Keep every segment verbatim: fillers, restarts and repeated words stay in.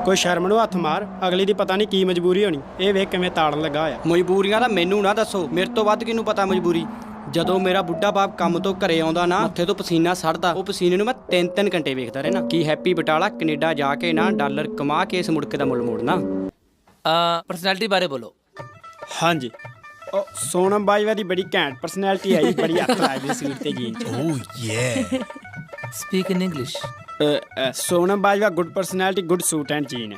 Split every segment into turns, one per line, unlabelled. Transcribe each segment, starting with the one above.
ਕੋਈ ਸ਼ਰਮ ਨੂੰ ਹੱਥ ਮਾਰ, ਅਗਲੀ ਦੀ ਪਤਾ ਨਹੀਂ ਕੀ ਮਜਬੂਰੀ ਹੋਣੀ। ਇਹ ਵੇਖ ਕਿਵੇਂ ਤਾੜਨ ਲੱਗਾ ਹੋਇਆ।
ਮਜਬੂਰੀਆਂ ਤਾਂ ਮੈਨੂੰ ਨਾ ਦੱਸੋ, ਮੇਰੇ ਤੋਂ ਵੱਧ ਕਿਹਨੂੰ ਪਤਾ ਮਜਬੂਰੀ। ਜਦੋਂ ਮੇਰਾ ਬੁੱਢਾ ਬਾਪ ਕੰਮ ਤੋਂ ਘਰੇ ਆਉਂਦਾ ਨਾ, ਮੱਥੇ ਤੋਂ ਪਸੀਨਾ ਸੜਦਾ, ਉਹ ਪਸੀਨੇ ਨੂੰ ਮੈਂ ਤਿੰਨ ਤਿੰਨ ਘੰਟੇ ਵੇਖਦਾ ਰਹਿਣਾ। ਕੀ ਹੈਪੀ ਬਟਾਲਾ ਕੈਨੇਡਾ ਜਾ ਕੇ ਨਾ ਡਾਲਰ ਕਮਾ ਕੇ ਇਸ ਮੁੜਕੇ ਦਾ ਮੁੱਲ ਮੋੜਨਾ।
ਪਰਸਨੈਲਿਟੀ ਬਾਰੇ ਬੋਲੋ।
ਹਾਂਜੀ, ਉਹ ਸੋਨਮ ਬਾਜਵਾ ਦੀ ਬੜੀ ਘੈਂਟ ਪਰਸਨੈਲਿਟੀ ਆਈ, ਬੜੀ ਹੱਥ ਲਾਈ ਸੀਟ ਤੇ ਜੀਨ ਚ।
Oh you
speak in English.
Sonam Bajwa good personality, good suit and jean.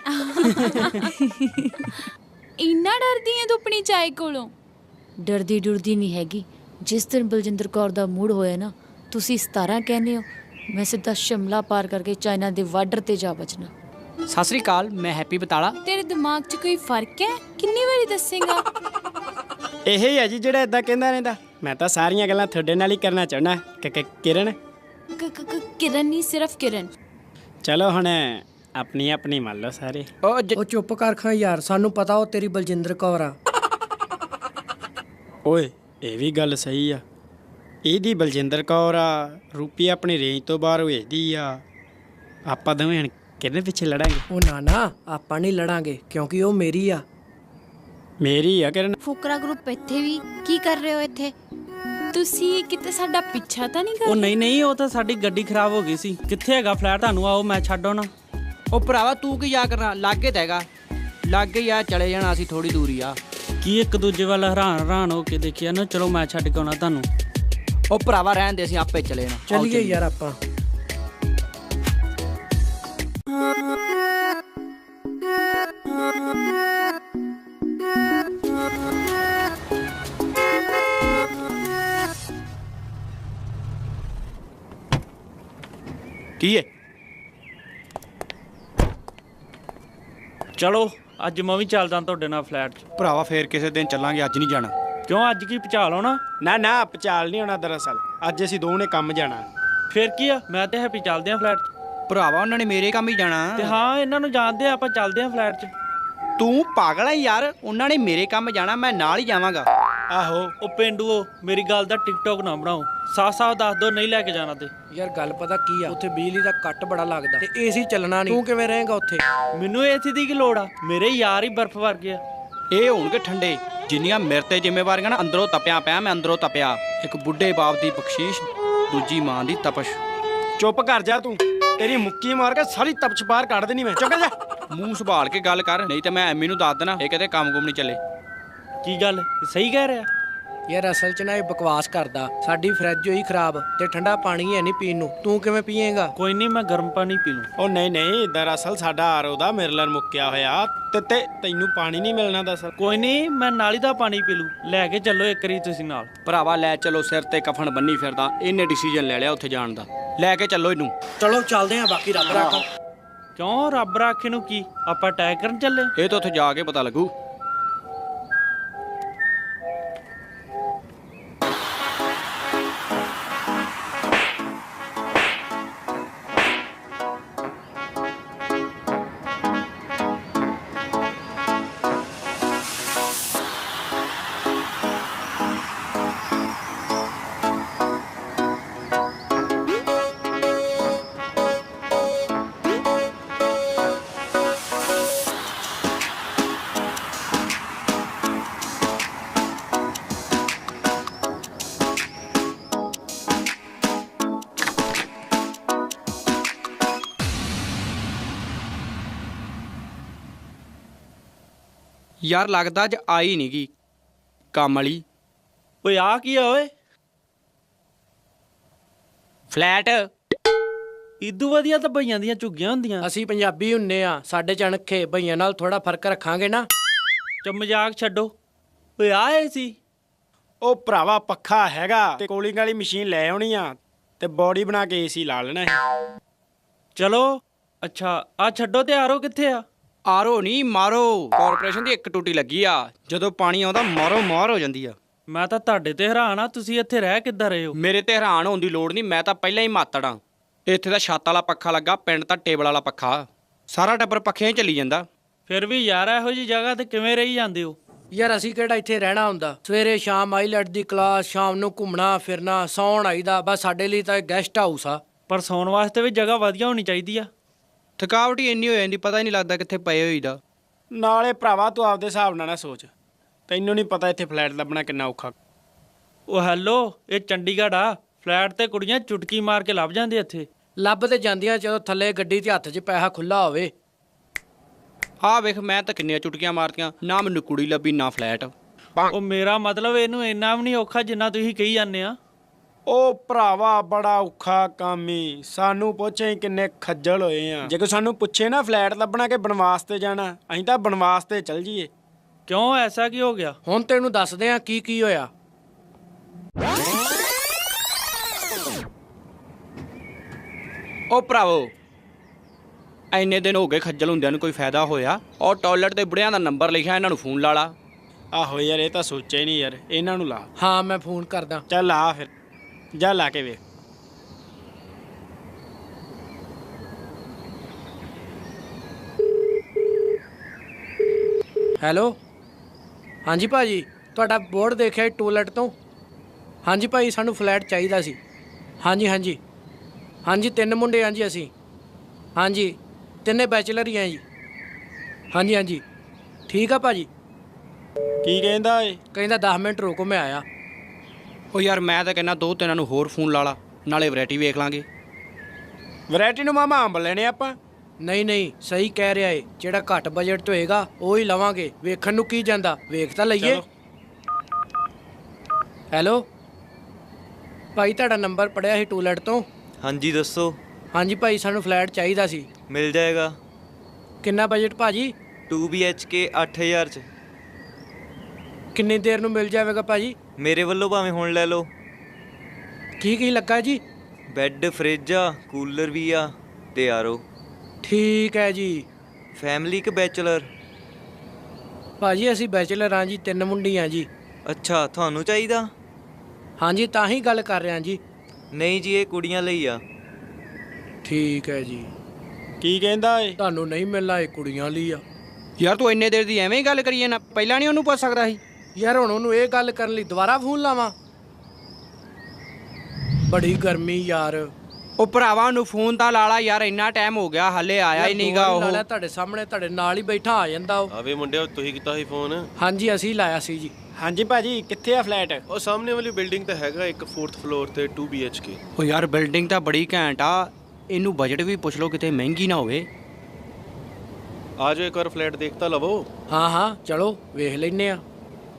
ਇੰਨਾ ਡਰਦੀ ਐ ਤੂੰ ਆਪਣੀ ਚਾਏ ਕੋਲੋਂ?
ਡਰਦੀ ਡੁਰਦੀ ਨਹੀਂ ਹੈਗੀ। ਜਿਸ ਦਿਨ ਬਲਜਿੰਦਰ ਕੌਰ ਦਾ ਮੂਡ ਹੋਇਆ ਨਾ, ਤੁਸੀਂ ਸਤਾਰਾਂ ਕਹਿੰਦੇ ਹੋ, ਮੈਂ ਸਿੱਧਾ ਸ਼ਿਮਲਾ ਪਾਰ ਕਰਕੇ ਚਾਈਨਾ ਦੇ ਬਾਰਡਰ ਤੇ ਜਾ ਬਚਣਾ।
ਸਤਿ ਸ੍ਰੀ ਅਕਾਲ, ਮੈਂ ਹੈਪੀ ਬਟਾਲਾ।
ਤੇਰੇ ਦਿਮਾਗ 'ਚ ਕੋਈ ਫਰਕ ਹੈ? ਕਿੰਨੀ ਵਾਰੀ ਦੱਸੇਗਾ?
ਇਹ ਹੀ ਹੈ ਜੀ ਜਿਹੜਾ ਇਦਾਂ ਕਹਿੰਦਾ ਰਹਿੰਦਾ। ਮੈਂ ਤਾਂ ਸਾਰੀਆਂ ਗੱਲਾਂ ਤੁਹਾਡੇ ਨਾਲ ਹੀ ਕਰਨਾ ਚਾਹੁੰਦਾ। ਕਿਰਨ
ਕਿਰਨ ਨਹੀਂ, ਸਿਰਫ ਕਿਰਨ।
ਚਲੋ ਹੁਣ ਆਪਣੀ ਆਪਣੀ ਮੰਨ ਲਓ ਸਾਰੇ।
ਉਹ
ਉਹ ਚੁੱਪ ਕਰ ਖਾਂ ਯਾਰ, ਸਾਨੂੰ ਪਤਾ ਉਹ ਤੇਰੀ ਬਲਜਿੰਦਰ ਕੌਰ ਆ।
ਓਏ ਇਹ ਵੀ ਗੱਲ ਸਹੀ ਆ, ਇਹਦੀ ਬਲਜਿੰਦਰ ਕੌਰ ਆ। ਰੂਪੀ ਆਪਣੀ ਰੇਂਜ ਤੋਂ ਬਾਹਰ ਵੇਚਦੀ ਆ। ਆਪਾਂ ਦੋਵੇਂ ਹੁਣ ਕਿਹਦੇ ਪਿੱਛੇ ਲੜਾਂਗੇ?
ਉਹ ਨਾ ਨਾ, ਆਪਾਂ ਨਹੀਂ ਲੜਾਂਗੇ ਕਿਉਂਕਿ ਉਹ ਮੇਰੀ ਆ।
ਮੇਰੀ ਆ ਕਿਰਨ।
ਫੁਕਰਾ ਗਰੁੱਪ ਇੱਥੇ ਵੀ ਕੀ ਕਰ ਰਹੇ ਹੋ ਇੱਥੇ?
ਤੁਸੀਂ ਕਿਤੇ ਸਾਡਾ ਪਿੱਛਾ ਤਾਂ ਨਹੀਂ
ਉਹ
ਕਰ?
ਨਹੀਂ ਨਹੀਂ, ਉਹ ਤਾਂ ਸਾਡੀ ਗੱਡੀ ਖਰਾਬ ਹੋ ਗਈ ਸੀ। ਕਿੱਥੇ ਹੈਗਾ ਫਲੈਟ? ਤੁਹਾਨੂੰ ਆਓ, ਮੈਂ ਛੱਡ ਆਉਣਾ।
ਉਹ ਭਰਾਵਾ ਤੂੰ ਕੀ ਯਾ ਕਰਨਾ, ਲਾਗੇ ਤਾਂ ਹੈਗਾ, ਲਾਗੇ ਹੀ ਆ, ਚਲੇ ਜਾਣਾ ਅਸੀਂ, ਥੋੜੀ ਦੂਰੀ ਆ।
ਕੀ ਇੱਕ ਦੂਜੇ ਵੱਲ ਹੈਰਾਨ ਹੈਰਾਨ ਹੋ ਕੇ ਦੇਖਿਆ ਨਾ। ਚਲੋ ਮੈਂ ਛੱਡ ਕੇ ਆਉਣਾ ਤੁਹਾਨੂੰ।
ਉਹ ਭਰਾਵਾ ਰਹਿਣ ਦੇ, ਅਸੀਂ ਆਪੇ ਚਲੇ ਜਾਣਾ।
ਚੱਲੀਏ ਯਾਰ ਆਪਾਂ।
ਕੀ ਹੈ?
ਚਲੋ ਅੱਜ ਮੈਂ ਵੀ ਚੱਲਦਾ ਤੁਹਾਡੇ ਨਾਲ ਫਲੈਟ 'ਚ।
ਭਰਾਵਾ ਫੇਰ ਕਿਸੇ ਦਿਨ ਚੱਲਾਂਗੇ, ਅੱਜ ਨਹੀਂ ਜਾਣਾ।
ਕਿਉਂ, ਅੱਜ ਕੀ ਪਚਾ ਲਾਉਣਾ?
ਨਾ ਨਾ, ਪਚਾਲ ਨਹੀਂ ਹੋਣਾ। ਦਰਅਸਲ ਅੱਜ ਅਸੀਂ ਦੋਵੇਂ ਨੇ ਕੰਮ ਜਾਣਾ।
ਫੇਰ ਕੀ ਆ, ਮੈਂ ਤੇ ਹੈਪੀ ਚੱਲਦੇ ਆ ਫਲੈਟ 'ਚ।
ਭਰਾਵਾ ਉਹਨਾਂ ਨੇ ਮੇਰੇ ਕੰਮ ਹੀ ਜਾਣਾ।
ਤੇ ਹਾਂ, ਇਹਨਾਂ ਨੂੰ ਜਾਣਦੇ ਆ, ਆਪਾਂ ਚੱਲਦੇ ਆ ਫਲੈਟ 'ਚ।
ਤੂੰ ਪਾਗਲ ਹੈ ਯਾਰ, ਉਹਨਾਂ ਨੇ ਮੇਰੇ ਕੰਮ ਜਾਣਾ, ਮੈਂ ਨਾਲ ਹੀ ਜਾਵਾਂਗਾ।
ਆਹੋ ਉਹ ਪੇਂਡੂਓ, ਮੇਰੀ ਗੱਲ ਦਾ ਟਿਕਟੋਕ ਨਾ ਬਣਾਓ। ਸਾਫ਼ ਸਾਫ਼ ਦੱਸ ਦੋ, ਨਹੀਂ ਲੈ ਕੇ ਜਾਣਾ ਤੇ।
ਯਾਰ ਗੱਲ ਪਤਾ ਕੀ ਆ, ਉੱਥੇ ਬਿਜਲੀ ਦਾ ਕੱਟ ਬੜਾ ਲੱਗਦਾ ਤੇ ਏਸੀ ਚੱਲਣਾ ਨਹੀਂ। ਤੂੰ ਕਿਵੇਂ ਰਹੇਂਗਾ ਉੱਥੇ?
ਮੈਨੂੰ ਏਸੀ ਦੀ ਕੀ ਲੋੜ ਆ? ਮੇਰੇ ਯਾਰ ਹੀ ਬਰਫ਼ ਵਰਗੇ ਆ।
ਇਹ ਹੋਣਗੇ ਠੰਡੇ। ਜਿੰਨੀਆਂ ਮੇਰੇ ਤੇ ਜ਼ਿੰਮੇਵਾਰੀਆਂ ਨਾ, ਅੰਦਰੋਂ ਤਪਿਆ ਪਿਆ ਮੈਂ, ਅੰਦਰੋਂ ਤਪਿਆ। ਇੱਕ ਬੁੱਢੇ ਬਾਪ ਦੀ ਬਖਸ਼ੀਸ਼, ਦੂਜੀ ਮਾਂ ਦੀ ਤਪਸ਼।
ਚੁੱਪ ਕਰ ਜਾ ਤੂੰ, ਤੇਰੀ ਮੁੱਕੀ ਮਾਰ ਕੇ ਸਾਰੀ ਤਪਸ਼ ਬਾਹਰ ਕੱਢ ਦੇਣੀ ਮੈਂ। ਚੁੱਪ ਜਾ।
ਮੂੰਹ ਸੰਭਾਲ ਕੇ ਗੱਲ ਕਰ, ਨਹੀਂ ਤੇ ਮੈਂ ਐਮੀ ਨੂੰ ਦੱਸ ਦੇਣਾ ਇਹ ਕਿਤੇ ਕੰਮ ਕੁਮ ਨਹੀਂ ਚੱਲੇ।
ਕੀ ਗੱਲ, ਸਹੀ ਕਹਿ ਰਿਹਾ?
ਯਾਰ ਅਸਲ 'ਚ ਨਾ ਇਹ ਬਕਵਾਸ ਕਰਦਾ। ਸਾਡੀ ਫਰਿੱਜ ਹੋਈ ਖਰਾਬ ਤੇ ਠੰਡਾ ਪਾਣੀ ਹੈ ਨਹੀਂ ਪੀਣ ਨੂੰ। ਤੂੰ ਕਿਵੇਂ ਪੀਏਂਗਾ?
ਕੋਈ ਨਹੀਂ, ਮੈਂ ਗਰਮ ਪਾਣੀ ਪੀ ਲੂੰ।
ਉਹ ਨਹੀਂ ਨਹੀਂ, ਦਰਅਸਲ ਸਾਡਾ ਆਰਓ ਦਾ ਮਿਰਲਰ ਮੁੱਕਿਆ ਹੋਇਆ ਤੇ ਤੇ ਤੈਨੂੰ ਪਾਣੀ ਨਹੀਂ ਮਿਲਣਾ। ਦਰਅਸਲ
ਕੋਈ ਨਹੀਂ, ਮੈਂ ਨਾਲੀ ਦਾ ਪਾਣੀ ਪੀ ਲੂੰ। ਲੈ ਕੇ ਚੱਲੋ ਇੱਕ ਵਾਰੀ ਤੁਸੀਂ ਨਾਲ।
ਭਰਾਵਾ ਲੈ ਚਲੋ, ਸਿਰ ਤੇ ਕਫਨ ਬੰਨੀ ਫਿਰਦਾ। ਇਹਨੇ ਡਿਸੀਜਨ ਲੈ ਲਿਆ ਉੱਥੇ ਜਾਣ ਦਾ, ਲੈ ਕੇ ਚੱਲੋ ਇਹਨੂੰ।
ਚਲੋ ਚੱਲਦੇ ਆਂ, ਬਾਕੀ ਰੱਬ ਰਾਖਾ।
ਕਿਉਂ, ਰੱਬ ਰਾਖੇ ਨੂੰ ਕੀ? ਆਪਾਂ ਅਟੈਕ ਕਰਨ ਚੱਲੇ?
ਇਹ ਤਾਂ ਉੱਥੇ ਜਾ ਕੇ ਪਤਾ ਲੱਗੂ। ਯਾਰ ਲੱਗਦਾ ਅੱਜ ਆਈ ਨਹੀਂ ਗਈ ਕੰਮ ਵਾਲੀ।
ਓਏ ਆ ਕੀ ਆ ਓਏ?
ਫਲੈਟ
ਇਦੂ ਵਧੀਆ ਤਾਂ ਭਈਆਂ ਦੀਆਂ ਝੁੱਗੀਆਂ ਹੁੰਦੀਆਂ।
ਅਸੀਂ ਪੰਜਾਬੀ ਹੁੰਨੇ ਆ, ਸਾਡੇ ਚਣਖੇ ਭਈਆਂ ਨਾਲ ਥੋੜਾ ਫਰਕ ਰੱਖਾਂਗੇ ਨਾ।
ਚ ਮਜ਼ਾਕ ਛੱਡੋ। ਓਏ ਆ ਏ ਸੀ?
ਉਹ ਭਰਾਵਾ ਪੱਖਾ ਹੈਗਾ ਤੇ ਕੋਲਿੰਗ ਵਾਲੀ ਮਸ਼ੀਨ ਲੈ ਆਉਣੀ ਆ ਤੇ ਬੋਡੀ ਬਣਾ ਕੇ ਏਸੀ ਲਾ ਲੈਣਾ ਹੈ।
ਚਲੋ ਅੱਛਾ, ਆ ਛੱਡੋ ਤੇ ਆਰੋ ਕਿੱਥੇ ਆ?
ਆਰੋ ਨਹੀਂ, ਮਾਰੋ। ਕਾਰਪੋਰੇਸ਼ਨ ਦੀ ਇੱਕ ਟੂਟੀ ਲੱਗੀ ਆ, ਜਦੋਂ ਪਾਣੀ ਆਉਂਦਾ ਮਾਰੋ ਮਾਰ ਹੋ ਜਾਂਦੀ ਆ।
ਮੈਂ ਤਾਂ ਤੁਹਾਡੇ ਤੇ ਹੈਰਾਨ ਆ, ਤੁਸੀਂ ਇੱਥੇ ਰਹਿ ਕਿੱਦਾਂ ਰਹੇ ਹੋ?
ਮੇਰੇ ਤੇ ਹੈਰਾਨ ਹੋਣ ਦੀ ਲੋੜ ਨਹੀਂ, ਮੈਂ ਤਾਂ ਪਹਿਲਾਂ ਹੀ ਮਾਤੜਾਂ। ਇੱਥੇ ਤਾਂ ਛੱਤ ਵਾਲਾ ਪੱਖਾ ਲੱਗਾ, ਪਿੰਡ ਤਾਂ ਟੇਬਲ ਵਾਲਾ ਪੱਖਾ। ਸਾਰਾ ਟੱਬਰ ਪੱਖਿਆਂ ਹੀ ਚੱਲੀ ਜਾਂਦਾ।
ਫਿਰ ਵੀ ਯਾਰ ਇਹੋ ਜੀ ਜਗ੍ਹਾ ਤੇ ਕਿਵੇਂ ਰਹੀ ਜਾਂਦੇ ਹੋ?
ਯਾਰ ਅਸੀਂ ਕਿਹੜਾ ਇੱਥੇ ਰਹਿਣਾ ਹੁੰਦਾ। ਸਵੇਰੇ ਸ਼ਾਮ ਆਈਲੈਟ ਦੀ ਕਲਾਸ, ਸ਼ਾਮ ਨੂੰ ਘੁੰਮਣਾ ਫਿਰਨਾ, ਸੌਣ ਆਈਦਾ। ਬਸ ਸਾਡੇ ਲਈ ਤਾਂ ਗੈਸਟ ਹਾਊਸ ਆ।
ਪਰ ਸੌਣ ਵਾਸਤੇ ਵੀ ਜਗ੍ਹਾ ਵਧੀਆ ਹੋਣੀ ਚਾਹੀਦੀ ਆ।
ਥਕਾਵਟ ਹੀ ਇੰਨੀ ਹੋ ਜਾਂਦੀ, ਪਤਾ ਹੀ ਨਹੀਂ ਲੱਗਦਾ ਕਿੱਥੇ ਪਏ ਹੋਈਦਾ।
ਨਾਲੇ ਭਰਾਵਾ ਤੂੰ ਆਪਦੇ ਹਿਸਾਬ ਨਾਲ ਨਾ ਸੋਚ, ਤੈਨੂੰ ਨਹੀਂ ਪਤਾ ਇੱਥੇ ਫਲੈਟ ਲੱਭਣਾ ਕਿੰਨਾ ਔਖਾ।
ਉਹ ਹੈਲੋ, ਇਹ ਚੰਡੀਗੜ੍ਹ ਆ। ਫਲੈਟ ਤੇ ਕੁੜੀਆਂ ਚੁਟਕੀ ਮਾਰ ਕੇ ਲੱਭ ਜਾਂਦੇ ਇੱਥੇ।
ਲੱਭ ਤੇ ਜਾਂਦੀਆਂ ਜਦੋਂ ਥੱਲੇ ਗੱਡੀ 'ਚ ਹੱਥ 'ਚ ਪੈਸਾ ਖੁੱਲਾ ਹੋਵੇ।
ਆਹ ਵੇਖ, ਮੈਂ ਤਾਂ ਕਿੰਨੀਆਂ ਚੁਟਕੀਆਂ ਮਾਰਤੀਆਂ, ਨਾ ਮੈਨੂੰ ਕੁੜੀ ਲੱਭੀ ਨਾ ਫਲੈਟ।
ਉਹ ਮੇਰਾ ਮਤਲਬ ਇਹਨੂੰ ਇੰਨਾ ਵੀ ਨਹੀਂ ਔਖਾ ਜਿੰਨਾ ਤੁਸੀਂ ਕਹੀ ਜਾਂਦੇ ਆ।
ਉਹ ਭਰਾਵਾ ਬੜਾ ਔਖਾ ਕੰਮ ਈ, ਸਾਨੂੰ ਪੁੱਛੇ ਕਿੰਨੇ ਖੱਜਲ ਹੋਏ ਆ। ਜੇ ਕੋਈ ਸਾਨੂੰ ਪੁੱਛੇ ਨਾ ਫਲੈਟ ਲੱਭਣਾ ਕਿ ਬਨਵਾਸ ਤੇ ਜਾਣਾ, ਅਸੀਂ ਤਾਂ ਬਨਵਾਸ ਤੇ ਚੱਲ ਜੀਏ।
ਕਿਉਂ, ਐਸਾ ਕੀ ਹੋ ਗਿਆ?
ਹੁਣ ਤੈਨੂੰ ਦੱਸਦੇ ਆ ਕੀ ਕੀ ਹੋਇਆ।
ਉਹ ਭਰਾਵੋ, ਐਨੇ ਦਿਨ ਹੋ ਗਏ ਖੱਜਲ ਹੁੰਦਿਆਂ ਨੂੰ, ਕੋਈ ਫਾਇਦਾ ਹੋਇਆ? ਉਹ ਟਾਇਲਟ ਤੇ ਬੁੜਿਆਂ ਦਾ ਨੰਬਰ ਲਿਖਿਆ, ਇਹਨਾਂ ਨੂੰ ਫੋਨ ਲਾ ਲਾ।
ਆਹੋ ਯਾਰ, ਇਹ ਤਾਂ ਸੋਚਿਆ ਹੀ ਨਹੀਂ ਯਾਰ, ਇਹਨਾਂ ਨੂੰ ਲਾ।
ਹਾਂ ਮੈਂ ਫੋਨ ਕਰਦਾ।
ਚੱਲ ਆ ਫਿਰ, ਜਾ ਲਾ ਕੇ ਵੇਖ।
ਹੈਲੋ, ਹਾਂਜੀ ਭਾਜੀ, ਤੁਹਾਡਾ ਬੋਰਡ ਦੇਖਿਆ ਟੂਲੈਟ ਤੋਂ। ਹਾਂਜੀ ਭਾਈ, ਸਾਨੂੰ ਫਲੈਟ ਚਾਹੀਦਾ ਸੀ। ਹਾਂਜੀ ਹਾਂਜੀ ਹਾਂਜੀ, ਤਿੰਨ ਮੁੰਡੇ ਹਾਂ ਜੀ ਅਸੀਂ। ਹਾਂਜੀ, ਤਿੰਨੇ ਬੈਚਲਰ ਹੀ ਹਾਂ ਜੀ। ਹਾਂਜੀ ਹਾਂਜੀ, ਠੀਕ ਆ ਭਾਜੀ।
ਕੀ ਕਹਿੰਦਾ ਏ?
ਕਹਿੰਦਾ ਦਸ ਮਿੰਟ ਰੁਕੋ, ਮੈਂ ਆਇਆ।
ਉਹ ਯਾਰ ਮੈਂ ਤਾਂ ਕਹਿੰਦਾ ਦੋ ਤਿੰਨਾਂ ਨੂੰ ਹੋਰ ਫੋਨ ਲਾ ਲਾ, ਨਾਲੇ ਵੈਰਾਈਟੀ ਵੇਖ ਲਾਂਗੇ।
ਵੈਰਾਈਟੀ ਨੂੰ ਮਾਮਾ ਅੰਬ ਲੈਣੇ ਆਪਾਂ।
ਨਹੀਂ ਨਹੀਂ, ਸਹੀ ਕਹਿ ਰਿਹਾ ਏ, ਜਿਹੜਾ ਘੱਟ ਬਜਟ 'ਚ ਹੋਏਗਾ ਉਹ ਹੀ ਲਵਾਂਗੇ। ਵੇਖਣ ਨੂੰ ਕੀ ਜਾਂਦਾ, ਵੇਖ ਤਾਂ ਲਈਏ।
ਚਲੋ।
ਹੈਲੋ ਭਾਈ, ਤੁਹਾਡਾ ਨੰਬਰ ਪੜਿਆ ਸੀ ਟੂਲੈਟ ਤੋਂ।
ਹਾਂਜੀ ਦੱਸੋ।
ਹਾਂਜੀ ਭਾਈ, ਸਾਨੂੰ ਫਲੈਟ ਚਾਹੀਦਾ ਸੀ।
ਮਿਲ ਜਾਏਗਾ।
ਕਿੰਨਾ ਬਜਟ ਭਾਜੀ?
ਟੂ ਬੀ ਐਚ ਕੇ ਅੱਠ ਹਜ਼ਾਰ ਚ।
ਕਿੰਨੀ ਦੇਰ ਨੂੰ ਮਿਲ ਜਾਵੇਗਾ ਭਾਜੀ?
ਮੇਰੇ ਵੱਲੋਂ ਭਾਵੇਂ ਹੁਣ ਲੈ ਲਓ।
ਕੀ ਕੀ ਲੱਗਾ ਜੀ?
ਬੈੱਡ, ਫਰਿੱਜ ਆ, ਕੂਲਰ ਵੀ ਆ ਤੇ ਆਰੋ।
ਠੀਕ ਹੈ ਜੀ।
ਫੈਮਿਲੀ ਕਿ ਬੈਚਲਰ?
ਭਾਜੀ ਅਸੀਂ ਬੈਚਲਰ ਹਾਂ ਜੀ, ਤਿੰਨ ਮੁੰਡੀ ਹਾਂ ਜੀ।
ਅੱਛਾ, ਤੁਹਾਨੂੰ ਚਾਹੀਦਾ?
ਹਾਂਜੀ, ਤਾਂ ਹੀ ਗੱਲ ਕਰ ਰਿਹਾ ਜੀ।
ਨਹੀਂ ਜੀ, ਇਹ ਕੁੜੀਆਂ ਲਈ ਆ।
ਠੀਕ ਹੈ ਜੀ।
ਕੀ ਕਹਿੰਦਾ ਏ?
ਤੁਹਾਨੂੰ ਨਹੀਂ ਮਿਲਣਾ, ਇਹ ਕੁੜੀਆਂ ਲਈ ਆ।
ਯਾਰ ਤੂੰ ਇੰਨੇ ਦੇਰ ਦੀ ਐਵੇਂ ਹੀ ਗੱਲ ਕਰੀ ਜਾਂਦਾ, ਪਹਿਲਾਂ ਨਹੀਂ ਉਹਨੂੰ ਪੁੱਛ ਸਕਦਾ ਸੀ?
ਯਾਰ ਹੁਣ ਉਹਨੂੰ ਇਹ ਗੱਲ ਕਰਨ ਲਈ ਦੁਬਾਰਾ ਫੋਨ ਲਾਵਾਂ? ਬੜੀ ਗਰਮੀ ਯਾਰ।
ਉਹ ਭਰਾਵਾ ਨੂੰ ਫੋਨ ਤਾਂ ਲਾ ਲਾ ਯਾਰ, ਇੰਨਾ ਟਾਈਮ ਹੋ ਗਿਆ ਹਾਲੇ ਆਇਆ ਹੀ ਨਹੀਂਗਾ ਉਹ।
ਨਾਲੇ ਤੁਹਾਡੇ ਸਾਹਮਣੇ, ਤੁਹਾਡੇ ਨਾਲ ਹੀ ਬੈਠਾ ਆ ਜਾਂਦਾ ਉਹ।
ਆਵੇ ਮੁੰਡਿਓ, ਤੁਸੀਂ ਕੀਤਾ ਸੀ ਫੋਨ?
ਹਾਂਜੀ ਅਸੀਂ ਲਾਇਆ ਸੀ ਜੀ।
ਹਾਂਜੀ ਭਾਜੀ, ਕਿੱਥੇ ਆ ਫਲੈਟ?
ਉਹ ਸਾਹਮਣੇ ਵਾਲੀ ਬਿਲਡਿੰਗ ਤਾਂ ਹੈਗਾ ਇੱਕ ਫੋਰਥ ਫਲੋਰ ਤੇ ਟੂ ਬੀ ਐਚ ਕੇ।
ਉਹ ਯਾਰ ਬਿਲਡਿੰਗ ਤਾਂ ਬੜੀ ਘੈਂਟ ਆ, ਇਹਨੂੰ ਬਜਟ ਵੀ ਪੁੱਛ ਲਓ, ਕਿਤੇ ਮਹਿੰਗੀ ਨਾ ਹੋਵੇ।
ਆ ਜਾਓ, ਇੱਕ ਵਾਰ ਫਲੈਟ ਦੇਖ ਤਾਂ ਲਵੋ।
ਹਾਂ ਹਾਂ, ਚਲੋ ਵੇਖ ਲੈਨੇ ਆ।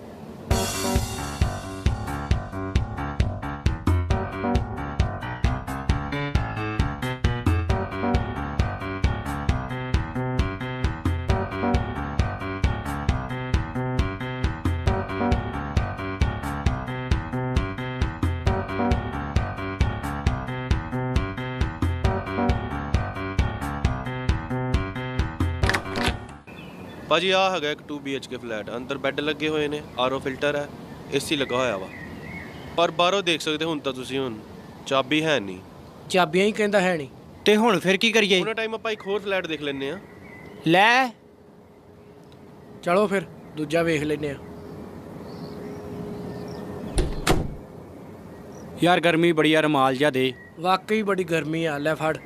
ਭਾਜੀ ਆ ਹੈਗਾ ਇੱਕ two B H K flat. ਅੰਦਰ ਬੈੱਡ ਲੱਗੇ ਹੋਏ ਨੇ, ਆਰ ਓ ਫਿਲਟਰ ਹੈ, ਏ ਸੀ ਲੱਗਾ ਹੋਇਆ ਵਾ। ਪਰ ਬਾਹਰੋਂ ਦੇਖ ਸਕਦੇ ਹੁਣ ਤਾਂ ਤੁਸੀਂ, ਹੁਣ ਚਾਬੀ ਹੈ ਨਹੀਂ।
ਚਾਬੀਆਂ ਹੀ ਕਹਿੰਦਾ ਹੈ ਨਹੀਂ।
ਤੇ ਹੁਣ ਫਿਰ ਕੀ ਕਰੀਏ?
ਉਹਨਾਂ ਟਾਈਮ ਆਪਾਂ ਇੱਕ ਹੋਰ ਫਲੈਟ ਦੇਖ ਲੈਂਦੇ ਆ।
ਲੈ
ਚਲੋ ਫਿਰ ਦੂਜਾ ਵੇਖ ਲੈਨੇ ਆ।
ਯਾਰ ਗਰਮੀ ਬੜੀ ਆ, ਰਮਾਲ ਜਿਹਾ ਦੇ।
ਵਾਕਈ ਬੜੀ ਗਰਮੀ ਆ, ਲੈ ਫੜ।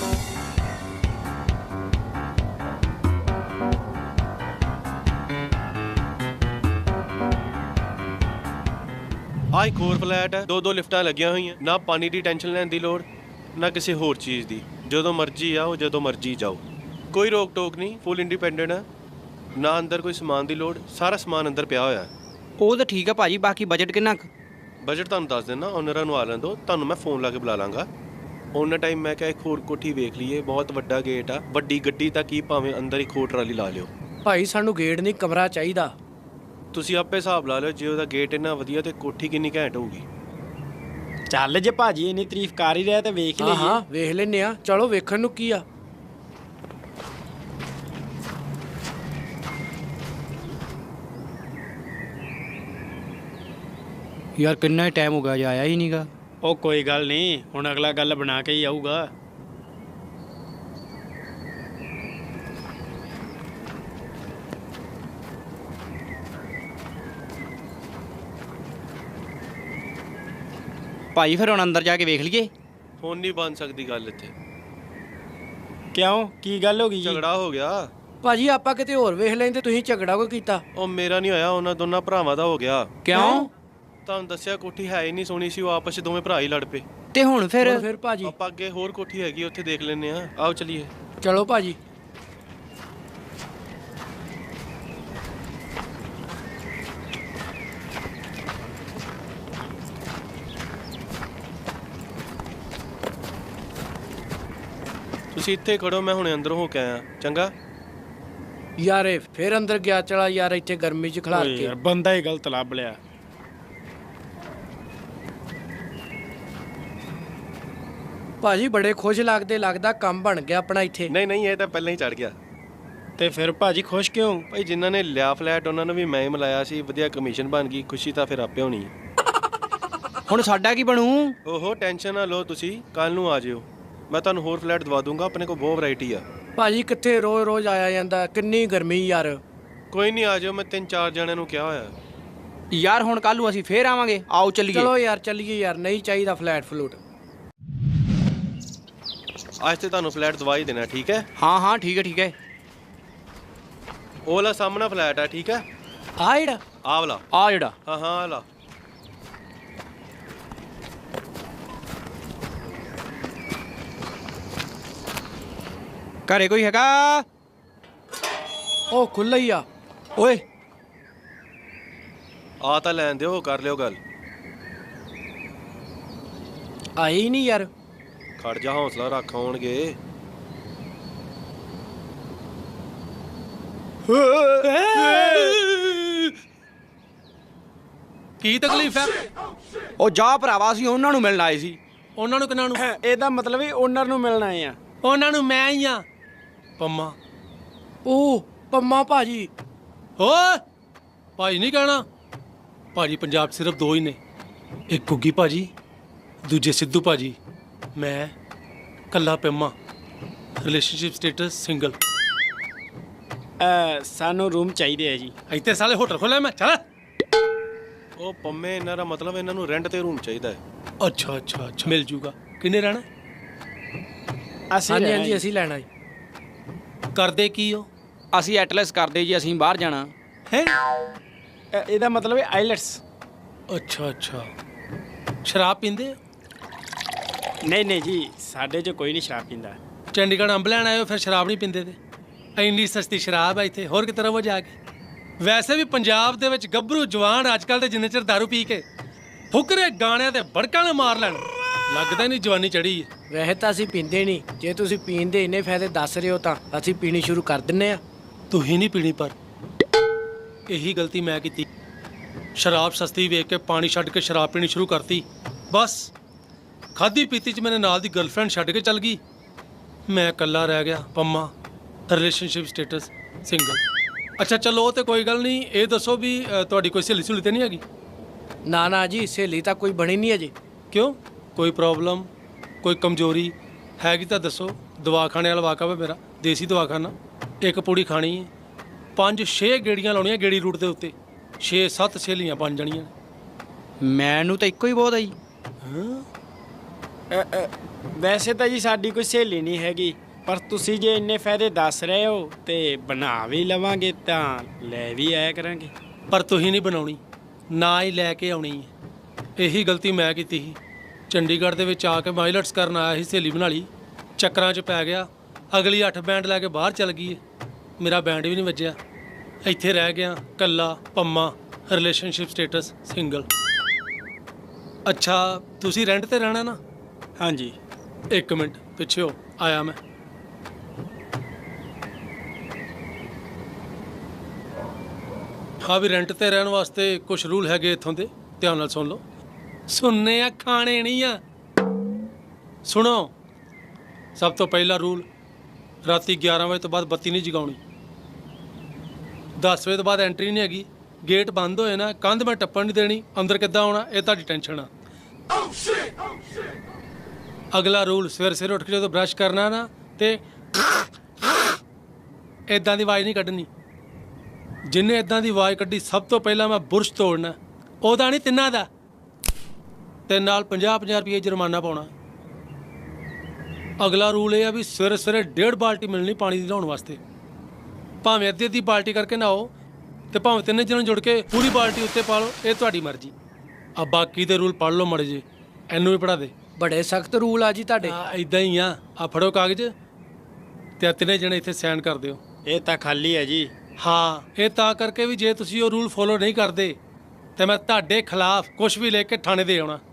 ਆ ਇੱਕ ਹੋਰ ਫਲੈਟ ਹੈ, ਦੋ ਦੋ ਲਿਫਟਾਂ ਲੱਗੀਆਂ ਹੋਈਆਂ। ਨਾ ਪਾਣੀ ਦੀ ਟੈਨਸ਼ਨ ਲੈਣ ਦੀ ਲੋੜ, ਨਾ ਕਿਸੇ ਹੋਰ ਚੀਜ਼ ਦੀ। ਜਦੋਂ ਮਰਜ਼ੀ ਆਓ, ਜਦੋਂ ਮਰਜ਼ੀ ਜਾਓ, ਕੋਈ ਰੋਕ ਟੋਕ ਨਹੀਂ। ਫੁੱਲ ਇੰਡੀਪੈਂਡੈਂਟ ਹੈ, ਨਾ ਅੰਦਰ ਕੋਈ ਸਮਾਨ ਦੀ ਲੋੜ, ਸਾਰਾ ਸਮਾਨ ਅੰਦਰ ਪਿਆ ਹੋਇਆ ਹੈ।
ਉਹ ਤਾਂ ਠੀਕ ਆ ਭਾਜੀ, ਬਾਕੀ ਬਜਟ ਕਿੰਨਾ ਕੁ?
ਬਜਟ ਤੁਹਾਨੂੰ ਦੱਸ ਦਿੰਦਾ, ਓਨਰਾਂ ਨੂੰ ਆ ਲੈਣ ਦਿਓ, ਤੁਹਾਨੂੰ ਮੈਂ ਫੋਨ ਲਾ ਕੇ ਬੁਲਾ ਲਾਂਗਾ। ਉਹਨਾਂ ਟਾਈਮ ਮੈਂ ਕਿਹਾ ਇੱਕ ਹੋਰ ਕੋਠੀ ਵੇਖ ਲਈਏ, ਬਹੁਤ ਵੱਡਾ ਗੇਟ ਆ, ਵੱਡੀ ਗੱਡੀ ਤਾਂ ਕੀ ਭਾਵੇਂ ਅੰਦਰ ਇੱਕ ਹੋਰ ਟਰਾਲੀ ਲਾ ਲਿਓ।
ਭਾਈ ਸਾਨੂੰ ਗੇਟ ਨਹੀਂ, ਕਮਰਾ ਚਾਹੀਦਾ।
ਤੁਸੀਂ ਆਪੇ ਹਿਸਾਬ ਲਾ ਲਿਓ, ਜੇ ਉਹਦਾ ਗੇਟ ਇੰਨਾ ਵਧੀਆ ਤੇ ਕੋਠੀ ਕਿੰਨੀ ਘੈਂਟ ਹੋਊਗੀ।
ਚੱਲ ਜੇ ਭਾਜੀ ਇੰਨੀ ਤਾਰੀਫ ਕਰ ਹੀ ਰਿਹਾ ਤੇ ਵੇਖ
ਹਾਂ
ਲਈਏ।
ਹਾਂ ਵੇਖ ਲੈਨੇ ਆ, ਚਲੋ ਵੇਖਣ ਨੂੰ ਕੀ ਆ।
ਯਾਰ ਕਿੰਨਾ ਹੀ ਟਾਈਮ ਹੋ ਗਿਆ, ਜੇ ਆਇਆ ਹੀ ਨਹੀਂਗਾ।
ਉਹ ਕੋਈ ਗੱਲ ਨਹੀਂ, ਹੁਣ ਅਗਲਾ ਗੱਲ ਬਣਾ ਕੇ ਹੀ ਆਊਗਾ।
ਭਾਜੀ ਫਿਰ ਹੁਣ ਅੰਦਰ ਜਾ ਕੇ ਵੇਖ ਲਈਏ।
ਹੁਣ ਨਹੀਂ ਬਣ ਸਕਦੀ ਗੱਲ ਇੱਥੇ।
ਕਿਉਂ ਕੀ ਗੱਲ ਹੋ ਗਈ ਜੀ?
ਝਗੜਾ ਹੋ ਗਿਆ।
ਭਾਜੀ ਆਪਾਂ ਕਿਤੇ ਹੋਰ ਵੇਖ ਲੈਂਦੇ, ਤੁਸੀਂ ਝਗੜਾ ਕੋਈ ਕੀਤਾ?
ਉਹ ਮੇਰਾ ਨਹੀਂ ਹੋਇਆ, ਉਹਨਾਂ ਦੋਨਾਂ ਭਰਾਵਾਂ ਦਾ ਹੋ ਗਿਆ।
ਕਿਉਂ?
ਤੁਹਾਨੂੰ ਦੱਸਿਆ ਕੋਠੀ ਹੈ ਹੀ ਨਹੀਂ ਸੋਹਣੀ ਸੀ, ਉਹ ਆਪਸ 'ਚ ਦੋਵੇਂ ਭਰਾ ਹੀ ਲੜ ਪਏ।
ਤੇ ਹੁਣ ਫਿਰ?
ਹੁਣ ਫਿਰ ਭਾਜੀ
ਆਪਾਂ ਅੱਗੇ ਹੋਰ ਕੋਠੀ ਹੈਗੀ, ਉੱਥੇ ਦੇਖ ਲੈਂਦੇ ਆ। ਆਓ ਚਲੀਏ।
ਚਲੋ ਭਾਜੀ।
ਤੁਸੀਂ ਇੱਥੇ ਖੜੋ, ਮੈਂ ਹੁਣੇ ਅੰਦਰ ਹੋ ਕੇ ਆਇਆ। ਚੰਗਾ
ਯਾਰ ਇਹ ਫਿਰ ਅੰਦਰ ਗਿਆ ਚਲਾ ਯਾਰ, ਇੱਥੇ ਗਰਮੀ 'ਚ ਖਲਾਰ
ਓਏ
ਕੇ।
ਯਾਰ ਬੰਦਾ ਹੀ ਗਲਤ ਲੱਭ ਲਿਆ।
ਭਾਜੀ ਬੜੇ ਖੁਸ਼ ਲੱਗਦੇ, ਲੱਗਦਾ ਕੰਮ ਬਣ ਗਿਆ ਆਪਣਾ ਇੱਥੇ।
ਨਹੀਂ ਨਹੀਂ, ਇਹ ਤਾਂ ਪਹਿਲਾਂ ਹੀ ਚੜ ਗਿਆ।
ਤੇ ਫਿਰ ਭਾਜੀ ਖੁਸ਼ ਕਿਉਂ?
ਭਾਈ ਜਿਨ੍ਹਾਂ ਨੇ ਲਿਆ ਫਲੈਟ ਉਹਨਾਂ ਨੂੰ ਵੀ ਮੈਂ ਹੀ ਮਿਲਾਇਆ ਸੀ, ਵਧੀਆ ਕਮਿਸ਼ਨ ਬਣ ਗਈ। ਖੁਸ਼ੀ ਤਾਂ ਫਿਰ ਆਪੇ ਹੋਣੀ।
ਹੁਣ ਸਾਡਾ ਕੀ ਬਣੂ?
ਓਹੋ ਟੈਨਸ਼ਨ ਨਾ ਲਓ ਤੁਸੀਂ, ਕੱਲ ਨੂੰ ਆ ਜਿਓ, ਮੈਂ ਤੁਹਾਨੂੰ ਹੋਰ ਫਲੈਟ ਦਵਾ ਦੂੰਗਾ। ਆਪਣੇ ਕੋਲ ਬਹੁਤ ਵੈਰਾਈਟੀ ਆ।
ਭਾਜੀ ਕਿੱਥੇ ਰੋਜ਼ ਰੋਜ਼ ਆਇਆ ਜਾਂਦਾ, ਕਿੰਨੀ ਗਰਮੀ ਯਾਰ।
ਕੋਈ ਨਹੀਂ, ਆ ਜਿਓ, ਮੈਂ ਤਿੰਨ ਚਾਰ ਜਣਿਆਂ ਨੂੰ ਕਿਹਾ ਹੋਇਆ।
ਯਾਰ ਹੁਣ ਕੱਲ ਨੂੰ ਅਸੀਂ ਫੇਰ ਆਵਾਂਗੇ, ਆਓ ਚੱਲੀਏ।
ਚਲੋ ਯਾਰ ਚੱਲੀਏ ਯਾਰ, ਨਹੀਂ ਚਾਹੀਦਾ ਫਲੈਟ ਫਲੂਟ।
ਅੱਜ ਤੇ ਤੁਹਾਨੂੰ ਫਲੈਟ ਦਵਾ ਹੀ ਦੇਣਾ, ਠੀਕ ਹੈ?
ਹਾਂ ਹਾਂ ਠੀਕ ਹੈ ਠੀਕ ਹੈ।
ਉਹ ਵਾਲਾ ਸਾਹਮਣਾ ਫਲੈਟ ਹੈ, ਠੀਕ ਹੈ?
ਆ ਜਿਹੜਾ
ਆਹ ਵਾਲਾ?
ਆ ਜਿਹੜਾ?
ਹਾਂ ਹਾਂ, ਆਹ ਵਾਲਾ।
ਘਰੇ ਕੋਈ ਹੈਗਾ?
ਉਹ ਖੁੱਲ੍ਹਾ ਹੀ ਆ।
ਓਏ
ਆ ਤਾਂ ਲੈਣ ਦਿਓ, ਕਰ ਲਿਓ ਗੱਲ।
ਆਏ ਹੀ ਨਹੀਂ ਯਾਰ।
ਖੜ ਜਾ, ਹੌਸਲਾ ਰੱਖ, ਆਉਣਗੇ।
ਕੀ ਤਕਲੀਫ ਹੈ?
ਉਹ ਜਾ ਭਰਾਵਾ, ਅਸੀਂ ਉਹਨਾਂ ਨੂੰ ਮਿਲਣ ਆਏ ਸੀ।
ਉਹਨਾਂ ਨੂੰ ਕਿਹਨਾਂ ਨੂੰ?
ਇਹਦਾ ਮਤਲਬ ਹੀ ਓਨਰ ਨੂੰ ਮਿਲਣ ਆਏ ਆ।
ਉਹਨਾਂ ਨੂੰ ਮੈਂ ਹੀ ਆ, ਪੰਮਾ।
ਉਹ ਪੰਮਾ ਭਾਜੀ।
ਓਏ ਭਾਜੀ ਨਹੀਂ ਕਹਿਣਾ। ਭਾਜੀ ਪੰਜਾਬ 'ਚ ਸਿਰਫ ਦੋ ਹੀ ਨੇ, ਇੱਕ ਗੁੱਗੀ ਭਾਜੀ, ਦੂਜੇ ਸਿੱਧੂ ਭਾਜੀ। ਮੈਂ ਕੱਲਾ ਪੰਮਾ। Relationship status single.
ਅ, ਸਾਨੂੰ ਰੂਮ ਚਾਹੀਦੇ ਆ ਜੀ।
ਇੱਥੇ ਸਾਲੇ ਹੋਟਲ ਖੋਲਿਆ ਮੈਂ, ਚੱਲ।
ਉਹ ਪੰਮੇ, ਇਹਨਾਂ ਦਾ ਮਤਲਬ ਇਹਨਾਂ ਨੂੰ ਰੈਂਟ ਤੇ ਰੂਮ ਚਾਹੀਦਾ ਹੈ।
ਅੱਛਾ ਅੱਛਾ ਅੱਛਾ, ਮਿਲ ਜੂਗਾ। ਕਿੰਨੇ ਰਹਿਣਾ?
ਅਸੀਂ
ਹਾਂਜੀ
ਰਹਿਣਾ
ਹਾਂਜੀ
ਜੀ।
ਅਸੀਂ ਲੈਣਾ ਜੀ।
ਕਰਦੇ ਕੀ ਹੋ?
ਅਸੀਂ ਐਟਲਸ ਕਰਦੇ ਜੀ, ਅਸੀਂ ਬਾਹਰ ਜਾਣਾ
ਹੈ।
ਅ, ਇਹਦਾ ਮਤਲਬ ਹੈ ਆਈਲੈਟਸ।
ਅੱਛਾ ਅੱਛਾ, ਸ਼ਰਾਬ ਪੀਂਦੇ?
ਨਹੀਂ ਨਹੀਂ ਜੀ, ਸਾਡੇ 'ਚ ਕੋਈ ਨਹੀਂ ਸ਼ਰਾਬ ਪੀਂਦਾ।
ਚੰਡੀਗੜ੍ਹ ਅੰਬ ਲੈਣ ਆਏ ਹੋ, ਫਿਰ ਸ਼ਰਾਬ ਨਹੀਂ ਪੀਂਦੇ? ਤੇ ਇੰਨੀ ਸਸਤੀ ਸ਼ਰਾਬ ਹੈ ਇੱਥੇ, ਹੋਰ ਕਿਤੇ ਰਵੋ ਜਾ ਕੇ। ਵੈਸੇ ਵੀ ਪੰਜਾਬ ਦੇ ਵਿੱਚ ਗੱਭਰੂ ਜਵਾਨ ਅੱਜ ਕੱਲ੍ਹ ਦੇ ਜਿੰਨੇ ਚਿਰ ਦਾਰੂ ਪੀ ਕੇ ਫੁਕਰੇ ਗਾਣਿਆਂ ਤੇ ਬੜਕਾਂ ਨੇ ਮਾਰ ਲੈਣ, ਲੱਗਦਾ ਨਹੀਂ ਜਵਾਨੀ ਚੜ੍ਹੀ ਹੈ।
ਵੈਸੇ ਤਾਂ ਅਸੀਂ ਪੀਂਦੇ ਨਹੀਂ, ਜੇ ਤੁਸੀਂ ਪੀਣ ਦੇ ਇੰਨੇ ਫਾਇਦੇ ਦੱਸ ਰਹੇ ਹੋ ਤਾਂ ਅਸੀਂ ਪੀਣੀ ਸ਼ੁਰੂ ਕਰ ਦਿੰਨੇ ਆ।
ਤੁਸੀਂ ਨਹੀਂ ਪੀਣੀ, ਪਰ ਇਹੀ ਗਲਤੀ ਮੈਂ ਕੀਤੀ। ਸ਼ਰਾਬ ਸਸਤੀ ਵੇਖ ਕੇ ਪਾਣੀ ਛੱਡ ਕੇ ਸ਼ਰਾਬ ਪੀਣੀ ਸ਼ੁਰੂ ਕਰਤੀ। ਬਸ ਖਾਦੀ ਪੀਤੀ 'ਚ ਮੇਰੇ ਨਾਲ ਦੀ ਗਰਲਫ੍ਰੈਂਡ ਛੱਡ ਕੇ ਚੱਲ ਗਈ, ਮੈਂ ਇਕੱਲਾ ਰਹਿ ਗਿਆ ਪੰਮਾ। Relationship status single. ਅੱਛਾ ਚਲੋ, ਉਹ ਤੇ ਕੋਈ ਗੱਲ ਨਹੀਂ। ਇਹ ਦੱਸੋ ਵੀ ਅ, ਤੁਹਾਡੀ ਕੋਈ ਸਹੇਲੀ ਸਹੂਲੀ ਤੇ ਨਹੀਂ ਹੈਗੀ?
ਨਾ ਨਾ ਜੀ, ਸਹੇਲੀ ਤਾਂ ਕੋਈ ਬਣੀ ਨਹੀਂ ਅਜੇ।
ਕਿਉਂ? ਕੋਈ ਪ੍ਰੋਬਲਮ, ਕੋਈ ਕਮਜ਼ੋਰੀ ਹੈਗੀ ਤਾਂ ਦੱਸੋ। ਦਵਾਖਾਨੇ ਵਾਲਾ ਵਾਕਾ ਵਾ ਮੇਰਾ, ਦੇਸੀ ਦਵਾਖਾਨਾ। ਇੱਕ ਪੂੜੀ ਖਾਣੀ ਹੈ, ਪੰਜ ਛੇ ਗੇੜੀਆਂ ਲਾਉਣੀਆਂ ਗੇੜੀ ਰੂਟ ਦੇ ਉੱਤੇ। ਛੇ ਸੱਤ ਸਹੇਲੀਆਂ ਬਣ ਜਾਣੀਆਂ।
ਮੈਨੂੰ ਤਾਂ ਇੱਕੋ ਹੀ ਬਹੁਤ ਆ ਜੀ।
ਅ, ਅ, ਵੈਸੇ ਤਾਂ ਜੀ ਸਾਡੀ ਕੋਈ ਸਹੇਲੀ ਨਹੀਂ ਹੈਗੀ, ਪਰ ਤੁਸੀਂ ਜੇ ਇੰਨੇ ਫਾਇਦੇ ਦੱਸ ਰਹੇ ਹੋ ਤੇ ਬਣਾ ਵੀ ਲਵਾਂਗੇ, ਤਾਂ ਲੈ ਵੀ ਆਇਆ ਕਰਾਂਗੇ।
ਪਰ ਤੁਸੀਂ ਨਹੀਂ ਬਣਾਉਣੀ, ਨਾ ਹੀ ਲੈ ਕੇ ਆਉਣੀ ਹੈ। ਇਹੀ ਗਲਤੀ ਮੈਂ ਕੀਤੀ ਸੀ। ਚੰਡੀਗੜ੍ਹ ਦੇ ਵਿੱਚ ਆ ਕੇ ਮਾਈਲਟਸ ਕਰਨ ਆਇਆ ਸੀ, ਸਹੇਲੀ ਬਣਾ ਲਈ, ਚੱਕਰਾਂ 'ਚ ਪੈ ਗਿਆ। ਅਗਲੀ ਅੱਠ ਬੈਂਡ ਲੈ ਕੇ ਬਾਹਰ ਚੱਲ ਗਈ ਹੈ, ਮੇਰਾ ਬੈਂਡ ਵੀ ਨਹੀਂ ਵੱਜਿਆ। ਇੱਥੇ ਰਹਿ ਗਿਆ ਕੱਲਾ ਪੰਮਾ। Relationship status single. ਅੱਛਾ ਤੁਸੀਂ ਰੈਂਟ ਤੇ ਰਹਿਣਾ ਨਾ?
ਹਾਂਜੀ।
ਇੱਕ ਮਿੰਟ ਪਿੱਛੇ ਹੋ, ਆਇਆ ਮੈਂ। ਹਾਂ ਵੀ ਰੈਂਟ ਤੇ ਰਹਿਣ ਵਾਸਤੇ ਕੁਝ ਰੂਲ ਹੈਗੇ ਇੱਥੋਂ ਦੇ, ਧਿਆਨ ਨਾਲ ਸੁਣ ਲਓ। ਸੁਣਨੇ ਆ, ਖਾਣੇ ਨਹੀਂ ਆ। ਸੁਣੋ, ਸਭ ਤੋਂ ਪਹਿਲਾ ਰੂਲ, ਰਾਤੀ ਗਿਆਰਾਂ ਵਜੇ ਤੋਂ ਬਾਅਦ ਬੱਤੀ ਨਹੀਂ ਜਗਾਉਣੀ। ਦਸ ਵਜੇ ਤੋਂ ਬਾਅਦ ਐਂਟਰੀ ਨਹੀਂ ਹੈਗੀ। ਗੇਟ ਬੰਦ ਹੋਏ ਨਾ, ਕੰਧ ਮੈਂ ਟੱਪਣ ਨਹੀਂ ਦੇਣੀ। ਅੰਦਰ ਕਿੱਦਾਂ ਆਉਣਾ ਇਹ ਤੁਹਾਡੀ ਟੈਨਸ਼ਨ ਆ। ਅਗਲਾ ਰੂਲ, ਸਵੇਰ ਸਵੇਰ ਉੱਠ ਕੇ ਜਦੋਂ ਬ੍ਰਸ਼ ਕਰਨਾ ਨਾ, ਤੇ ਇਦਾਂ ਦੀ ਆਵਾਜ਼ ਨਹੀਂ ਕੱਢਣੀ। ਜਿੰਨੇ ਇਦਾਂ ਦੀ ਆਵਾਜ਼ ਕੱਢੀ, ਸਭ ਤੋਂ ਪਹਿਲਾਂ ਮੈਂ ਬੁਰਸ਼ ਤੋੜਨਾ। ਉਹਦਾ ਨਹੀਂ, ਤਿੰਨਾਂ ਦਾ। ਤੇ ਨਾਲ ਪੰਜਾਹ ਪੰਜਾਹ ਰੁਪਏ ਜੁਰਮਾਨਾ ਪਾਉਣਾ। ਅਗਲਾ ਰੂਲ ਇਹ ਆ ਵੀ ਸਵੇਰੇ ਸਵੇਰੇ ਡੇਢ ਬਾਲਟੀ ਮਿਲਣੀ ਪਾਣੀ ਦੀ ਨਹਾਉਣ ਵਾਸਤੇ। ਭਾਵੇਂ ਅੱਧੀ ਅੱਧੀ ਬਾਲਟੀ ਕਰਕੇ ਨਹਾਓ ਤੇ ਭਾਵੇਂ ਤਿੰਨੇ ਜਣੇ ਜੁੜ ਕੇ ਪੂਰੀ ਬਾਲਟੀ ਉੱਤੇ ਪਾ ਲਓ, ਇਹ ਤੁਹਾਡੀ ਮਰਜ਼ੀ ਆ। ਬਾਕੀ ਦੇ ਰੂਲ ਪੜ੍ਹ ਲਓ ਮੜੇ ਜੀ, ਇਹਨੂੰ ਵੀ ਪੜ੍ਹਾ ਦੇ।
ਬੜੇ ਸਖਤ ਰੂਲ ਆ ਜੀ ਤੁਹਾਡੇ।
ਇਦਾਂ ਹੀ ਆ। ਆ ਫੜੋ ਕਾਗਜ਼ ਤੇ ਆ ਤਿੰਨੇ ਜਣੇ ਇੱਥੇ ਸਾਈਨ ਕਰ ਦਿਓ।
ਇਹ ਤਾਂ ਖਾਲੀ ਹੈ ਜੀ।
ਹਾਂ, ਇਹ ਤਾਂ ਕਰਕੇ ਵੀ ਜੇ ਤੁਸੀਂ ਉਹ ਰੂਲ ਫੋਲੋ ਨਹੀਂ ਕਰਦੇ ਤੇ ਮੈਂ ਤੁਹਾਡੇ ਖਿਲਾਫ ਕੁਝ ਵੀ ਲੈ ਕੇ ਥਾਣੇ ਦੇ ਆਉਣਾ।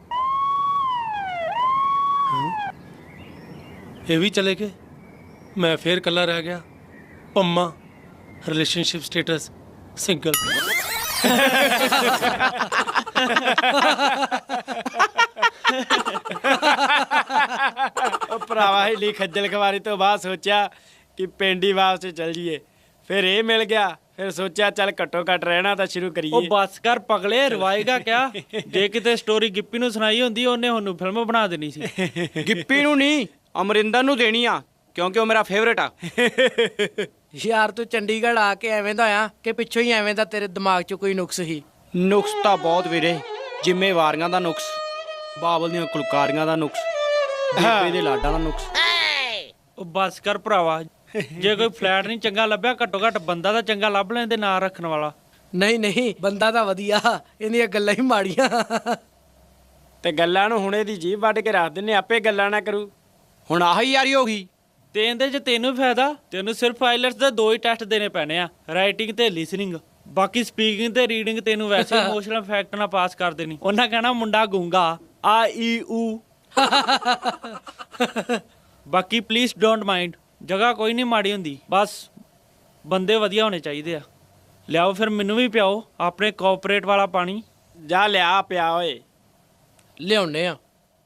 ਹਾਂ, ਇਹ ਵੀ ਚਲੇ ਗਏ, ਮੈਂ ਫੇਰ ਇਕੱਲਾ ਰਹਿ ਗਿਆ। Pamma, relationship status single.
ਉਹ ਭਰਾਵਾ ਹਿੱਲੀ ਖੱਜਲ ਖਵਾਰੀ ਤੋਂ ਬਾਅਦ ਸੋਚਿਆ ਕਿ ਪਿੰਡ ਹੀ ਵਾਪਸ ਚੱਲ ਜੀਏ। ਫਿਰ ਇਹ ਮਿਲ ਗਿਆ, ਫਿਰ ਸੋਚਿਆ ਚੱਲ ਘੱਟੋ ਘੱਟ ਰਹਿਣਾ ਤਾਂ ਸ਼ੁਰੂ ਕਰੀਏ।
ਉਹ ਬਸ ਕਰ ਪਗਲੇ, ਰਵਾਏਗਾ ਕਿਆ? ਜੇ ਕਿਤੇ ਸਟੋਰੀ ਗਿੱਪੀ ਨੂੰ ਸੁਣਾਈ ਹੁੰਦੀ ਉਹਨੇ ਉਹਨੂੰ ਫਿਲਮ ਬਣਾ ਦੇਣੀ ਸੀ। ਗਿੱਪੀ ਨੂੰ ਨਹੀਂ, ਅਮਰਿੰਦਰ ਨੂੰ ਦੇਣੀ ਆ, ਕਿਉਂਕਿ ਉਹ ਮੇਰਾ ਫੇਵਰੇਟ ਆ।
ਯਾਰ ਤੂੰ ਚੰਡੀਗੜ੍ਹ ਆ ਕੇ ਐਵੇਂ ਦਾ ਆ ਕਿ ਪਿੱਛੋਂ ਹੀ ਐਵੇਂ ਦਾ ਤੇਰੇ ਦਿਮਾਗ 'ਚ ਕੋਈ ਨੁਕਸ ਹੀ?
ਨੁਕਸ ਤਾਂ ਬਹੁਤ ਵੀਰੇ, ਜ਼ਿੰਮੇਵਾਰੀਆਂ ਦਾ ਨੁਕਸ, ਬਾਬਲ ਦੀਆਂ ਕੁਲਕਾਰੀਆਂ ਦਾ ਨੁਕਸ, ਬੇਬੇ ਦੇ ਲਾਡਾਂ ਦਾ ਨੁਕਸ। ਉਹ ਬਸ ਕਰ ਭਰਾਵਾ, ਜੇ ਕੋਈ ਫਲੈਟ ਨਹੀਂ ਚੰਗਾ ਲੱਭਿਆ ਘੱਟੋ ਘੱਟ ਬੰਦਾ ਤਾਂ ਚੰਗਾ ਲੱਭ ਲੈਂਦੇ ਨਾਂ ਰੱਖਣ ਵਾਲਾ।
ਨਹੀਂ ਨਹੀਂ, ਬੰਦਾ ਤਾਂ ਵਧੀਆ, ਇਹਦੀਆਂ ਗੱਲਾਂ ਹੀ ਮਾੜੀਆਂ।
ਤੇ ਗੱਲਾਂ ਨੂੰ ਹੁਣੇ ਦੀ ਜੀਭ ਵੱਢ ਕੇ ਰੱਖ ਦਿੰਨੇ, ਆਪੇ ਗੱਲਾਂ ਨਾ ਕਰੂ।
ਹੁਣ ਆਹੀ ਯਾਰੀ ਹੋ ਗਈ ਤੇ ਇਹਦੇ 'ਚ ਤੈਨੂੰ ਫਾਇਦਾ। ਤੈਨੂੰ ਸਿਰਫ ਆਈਲੈਟਸ ਦੇ ਦੋ ਹੀ ਟੈਸਟ ਦੇਣੇ ਪੈਣੇ ਆ, ਰਾਈਟਿੰਗ ਤੇ ਲਿਸਨਿੰਗ। ਬਾਕੀ ਸਪੀਕਿੰਗ ਤੇ ਰੀਡਿੰਗ ਤੈਨੂੰ ਵੈਸੇ ਇਮੋਸ਼ਨਲ ਫੈਕਟ ਨਾਲ ਪਾਸ ਕਰ ਦੇਣੀ। ਉਹਨਾਂ ਕਹਿਣਾ ਮੁੰਡਾ ਗੂੰਗਾ, ਆ ਈ ਊ। ਬਾਕੀ ਪਲੀਜ਼ ਡੋਂਟ ਮਾਈਂਡ, ਜਗ੍ਹਾ ਕੋਈ ਨਹੀਂ ਮਾੜੀ ਹੁੰਦੀ, ਬਸ ਬੰਦੇ ਵਧੀਆ ਹੋਣੇ ਚਾਹੀਦੇ ਆ। ਲਿਆਓ ਫਿਰ ਮੈਨੂੰ ਵੀ ਪਿਆਓ ਆਪਣੇ ਕੋਆਪਰੇਟ ਵਾਲਾ ਪਾਣੀ।
ਜਾ ਲਿਆ ਪਿਆ ਓਏ।
ਲਿਆਉਣੇ ਆ।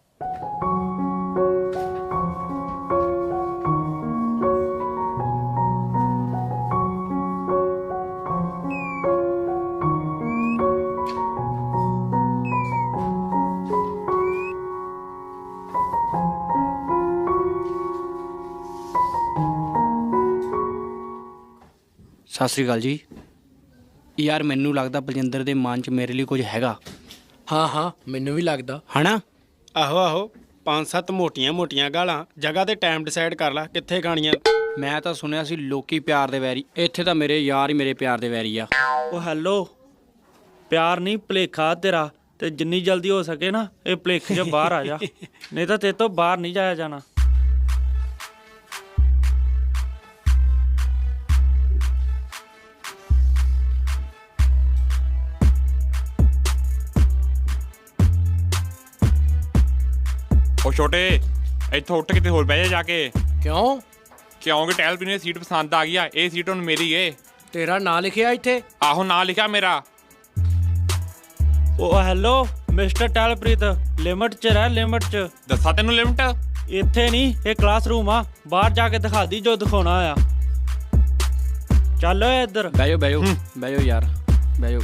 ਸਤਿ ਸ਼੍ਰੀ ਅਕਾਲ ਜੀ। ਯਾਰ ਮੈਨੂੰ ਲੱਗਦਾ ਬਲਜਿੰਦਰ ਦੇ ਮਨ 'ਚ ਮੇਰੇ ਲਈ ਕੁਝ ਹੈਗਾ।
ਹਾਂ ਹਾਂ, ਮੈਨੂੰ ਵੀ ਲੱਗਦਾ।
ਹਨਾ?
ਆਹੋ ਆਹੋ, ਪੰਜ ਸੱਤ ਮੋਟੀਆਂ ਮੋਟੀਆਂ ਗਾਲਾਂ, ਜਗ੍ਹਾ ਤੇ ਟਾਈਮ ਡਿਸਾਈਡ ਕਰ ਲੈ ਕਿੱਥੇ ਖਾਣੀਆਂ।
ਮੈਂ ਤਾਂ ਸੁਣਿਆ ਸੀ ਲੋਕੀ ਪਿਆਰ ਦੇ ਵੈਰੀ, ਇੱਥੇ ਤਾਂ ਮੇਰੇ ਯਾਰ ਹੀ ਮੇਰੇ ਪਿਆਰ ਦੇ ਵੈਰੀ ਆ। ਉਹ ਹੈਲੋ, ਪਿਆਰ ਨਹੀਂ ਭੁਲੇਖਾ ਤੇਰਾ, ਤੇ ਜਿੰਨੀ ਜਲਦੀ ਹੋ ਸਕੇ ਨਾ ਇਹ ਭੁਲੇਖੇ 'ਚੋਂ ਬਾਹਰ ਆ ਜਾ, ਨਹੀਂ ਤਾਂ ਤੇਰੇ ਤੋਂ ਬਾਹਰ ਨਹੀਂ ਜਾਇਆ ਜਾਣਾ।
ਉਹ ਛੋਟੇ, ਇੱਥੋਂ ਉੱਠ ਕਿਤੇ ਹੋਰ ਬਹਿ ਜਾ ਜਾ ਕੇ।
ਕਿਉਂ?
ਕਿਉਂਕਿ ਟੈਲ ਪੀ ਨੂੰ ਸੀਟ ਪਸੰਦ ਆ ਗਈ ਆ, ਇਹ ਸੀਟ ਹੁਣ ਮੇਰੀ ਏ।
ਤੇਰਾ ਨਾਂ ਲਿਖਿਆ ਇੱਥੇ?
ਆਹੋ, ਨਾਂ ਲਿਖਿਆ ਮੇਰਾ।
ਉਹ ਹੈਲੋ ਮਿਸਟਰ ਟੈਲਪ੍ਰੀਤ, ਲਿਮਟ 'ਚ ਰਹਿ, ਲਿਮਟ 'ਚ।
ਦੱਸਾਂ ਤੈਨੂੰ ਲਿਮਟ?
ਇੱਥੇ ਨਹੀਂ, ਇਹ ਕਲਾਸਰੂਮ ਆ, ਬਾਹਰ ਜਾ ਕੇ ਦਿਖਾ ਦੀ ਜੋ ਦਿਖਾਉਣਾ ਆ। ਚੱਲ ਓਏ ਇੱਧਰ ਬਹਿ ਜਾਓ, ਬਹਿ ਜਾਓ, ਬਹਿ ਜਾਓ ਯਾਰ, ਬਹਿ ਜਾਓ।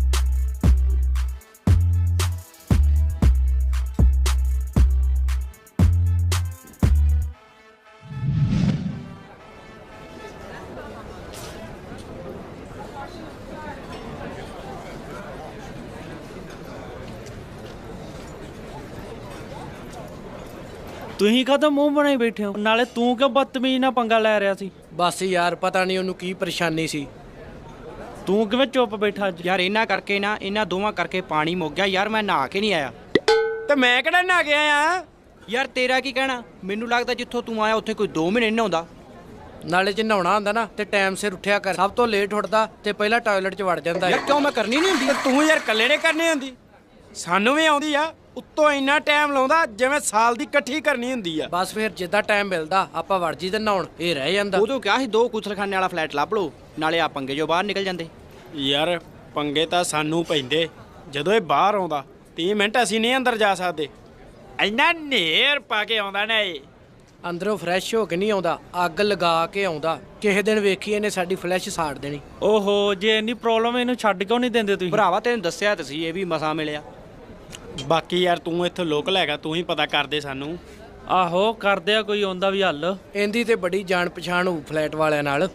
ਤੁਸੀਂ ਕਦੋਂ ਮੂੰਹ ਬਣਾਈ ਬੈਠੇ ਹੋ? ਨਾਲੇ ਤੂੰ ਕਿਉਂ ਬਦਤਮੀਜ਼ ਨਾਲ ਪੰਗਾ ਲੈ ਰਿਹਾ ਸੀ?
ਬਸ ਯਾਰ, ਪਤਾ ਨਹੀਂ ਉਹਨੂੰ ਕੀ ਪਰੇਸ਼ਾਨੀ ਸੀ।
ਤੂੰ ਕਿਵੇਂ ਚੁੱਪ ਬੈਠਾ ਅੱਜ? ਯਾਰ ਇਹਨਾਂ ਕਰਕੇ ਨਾ, ਇਹਨਾਂ ਦੋਵਾਂ ਕਰਕੇ ਪਾਣੀ ਮੁੱਕ ਗਿਆ ਯਾਰ, ਮੈਂ ਨਹਾ ਕੇ ਨਹੀਂ ਆਇਆ।
ਤੇ ਮੈਂ ਕਿਹੜਾ ਨਹਾ ਗਿਆ ਆ?
ਯਾਰ ਤੇਰਾ ਕੀ ਕਹਿਣਾ? ਮੈਨੂੰ ਲੱਗਦਾ ਜਿੱਥੋਂ ਤੂੰ ਆਇਆ ਉੱਥੇ ਕੋਈ ਦੋ ਮਹੀਨੇ ਨਹੀਂ ਨਹਾਉਂਦਾ।
ਨਾਲੇ ਜੇ ਨਹਾਉਣਾ ਹੁੰਦਾ ਨਾ ਤੇ ਟਾਈਮ ਸਿਰ ਉੱਠਿਆ ਕਰ। ਸਭ ਤੋਂ ਲੇਟ ਉੱਠਦਾ ਤੇ ਪਹਿਲਾਂ ਟਾਇਲਟ 'ਚ ਵੜ ਜਾਂਦਾ।
ਯਾਰ ਕਿਉਂ, ਮੈਂ ਕਰਨੀ ਨਹੀਂ ਹੁੰਦੀ?
ਤੇ ਤੂੰ ਯਾਰ ਇਕੱਲੇ ਨੇ ਕਰਨੀ ਹੁੰਦੀ, ਸਾਨੂੰ ਵੀ ਆਉਂਦੀ ਆ। ਉੱਤੋਂ ਇੰਨਾ ਟਾਈਮ ਲਾਉਂਦਾ ਜਿਵੇਂ ਸਾਲ ਦੀ ਇਕੱਠੀ ਕਰਨੀ ਹੁੰਦੀ ਆ।
ਬਸ ਫਿਰ ਜਿੱਦਾਂ ਟਾਈਮ ਮਿਲਦਾ ਆਪਾਂ ਵੜ ਜੀ ਤੇ ਨਹਾਉਣ, ਇਹ ਰਹਿ ਜਾਂਦਾ।
ਉਦੋਂ ਕਿਹਾ ਸੀ ਦੋ ਕੁਸਲਖਾਨੇ ਵਾਲਾ ਫਲੈਟ ਲੱਭ ਲਓ, ਨਾਲੇ ਆ ਪੰਗੇ ਜੋ ਬਾਹਰ ਨਿਕਲ ਜਾਂਦੇ।
ਯਾਰ ਪੰਗੇ ਤਾਂ ਸਾਨੂੰ ਪੈਂਦੇ ਜਦੋਂ ਇਹ ਬਾਹਰ ਆਉਂਦਾ। ਤੀਹ ਮਿੰਟ ਅਸੀਂ ਨਹੀਂ ਅੰਦਰ ਜਾ ਸਕਦੇ, ਇੰਨਾ ਨੇਰ ਪਾ ਕੇ ਆਉਂਦਾ ਨਾ ਇਹ।
ਅੰਦਰੋਂ ਫਰੈਸ਼ ਹੋ ਕੇ ਨਹੀਂ ਆਉਂਦਾ, ਅੱਗ ਲਗਾ ਕੇ ਆਉਂਦਾ। ਕਿਸੇ ਦਿਨ ਵੇਖੀ ਇਹਨੇ ਸਾਡੀ ਫਲੈਸ਼ ਸਾੜ ਦੇਣੀ।
ਓਹੋ, ਜੇ ਇੰਨੀ ਪ੍ਰੋਬਲਮ ਇਹਨੂੰ ਛੱਡ ਕਿਉਂ ਨਹੀਂ ਦਿੰਦੇ ਤੁਸੀਂ? ਭਰਾਵਾ ਤੈਨੂੰ ਦੱਸਿਆ ਤਾਂ ਸੀ, ਇਹ ਵੀ ਮਸਾ ਮਿਲਿਆ।
ਬਾਕੀ ਯਾਰ ਤੂੰ ਇੱਥੋਂ ਲੋਕਲ ਹੈਗਾ, ਤੂੰ ਹੀ ਪਤਾ ਕਰਦੇ ਸਾਨੂੰ।
ਆਹੋ ਕਰਦੇ ਆ, ਕੋਈ ਆਉਂਦਾ ਵੀ ਹੱਲ।
ਇਹਦੀ ਤੇ ਬੜੀ ਜਾਣ ਪਛਾਣ ਹੋਊ ਫਲੈਟ ਵਾਲਿਆਂ ਨਾਲ।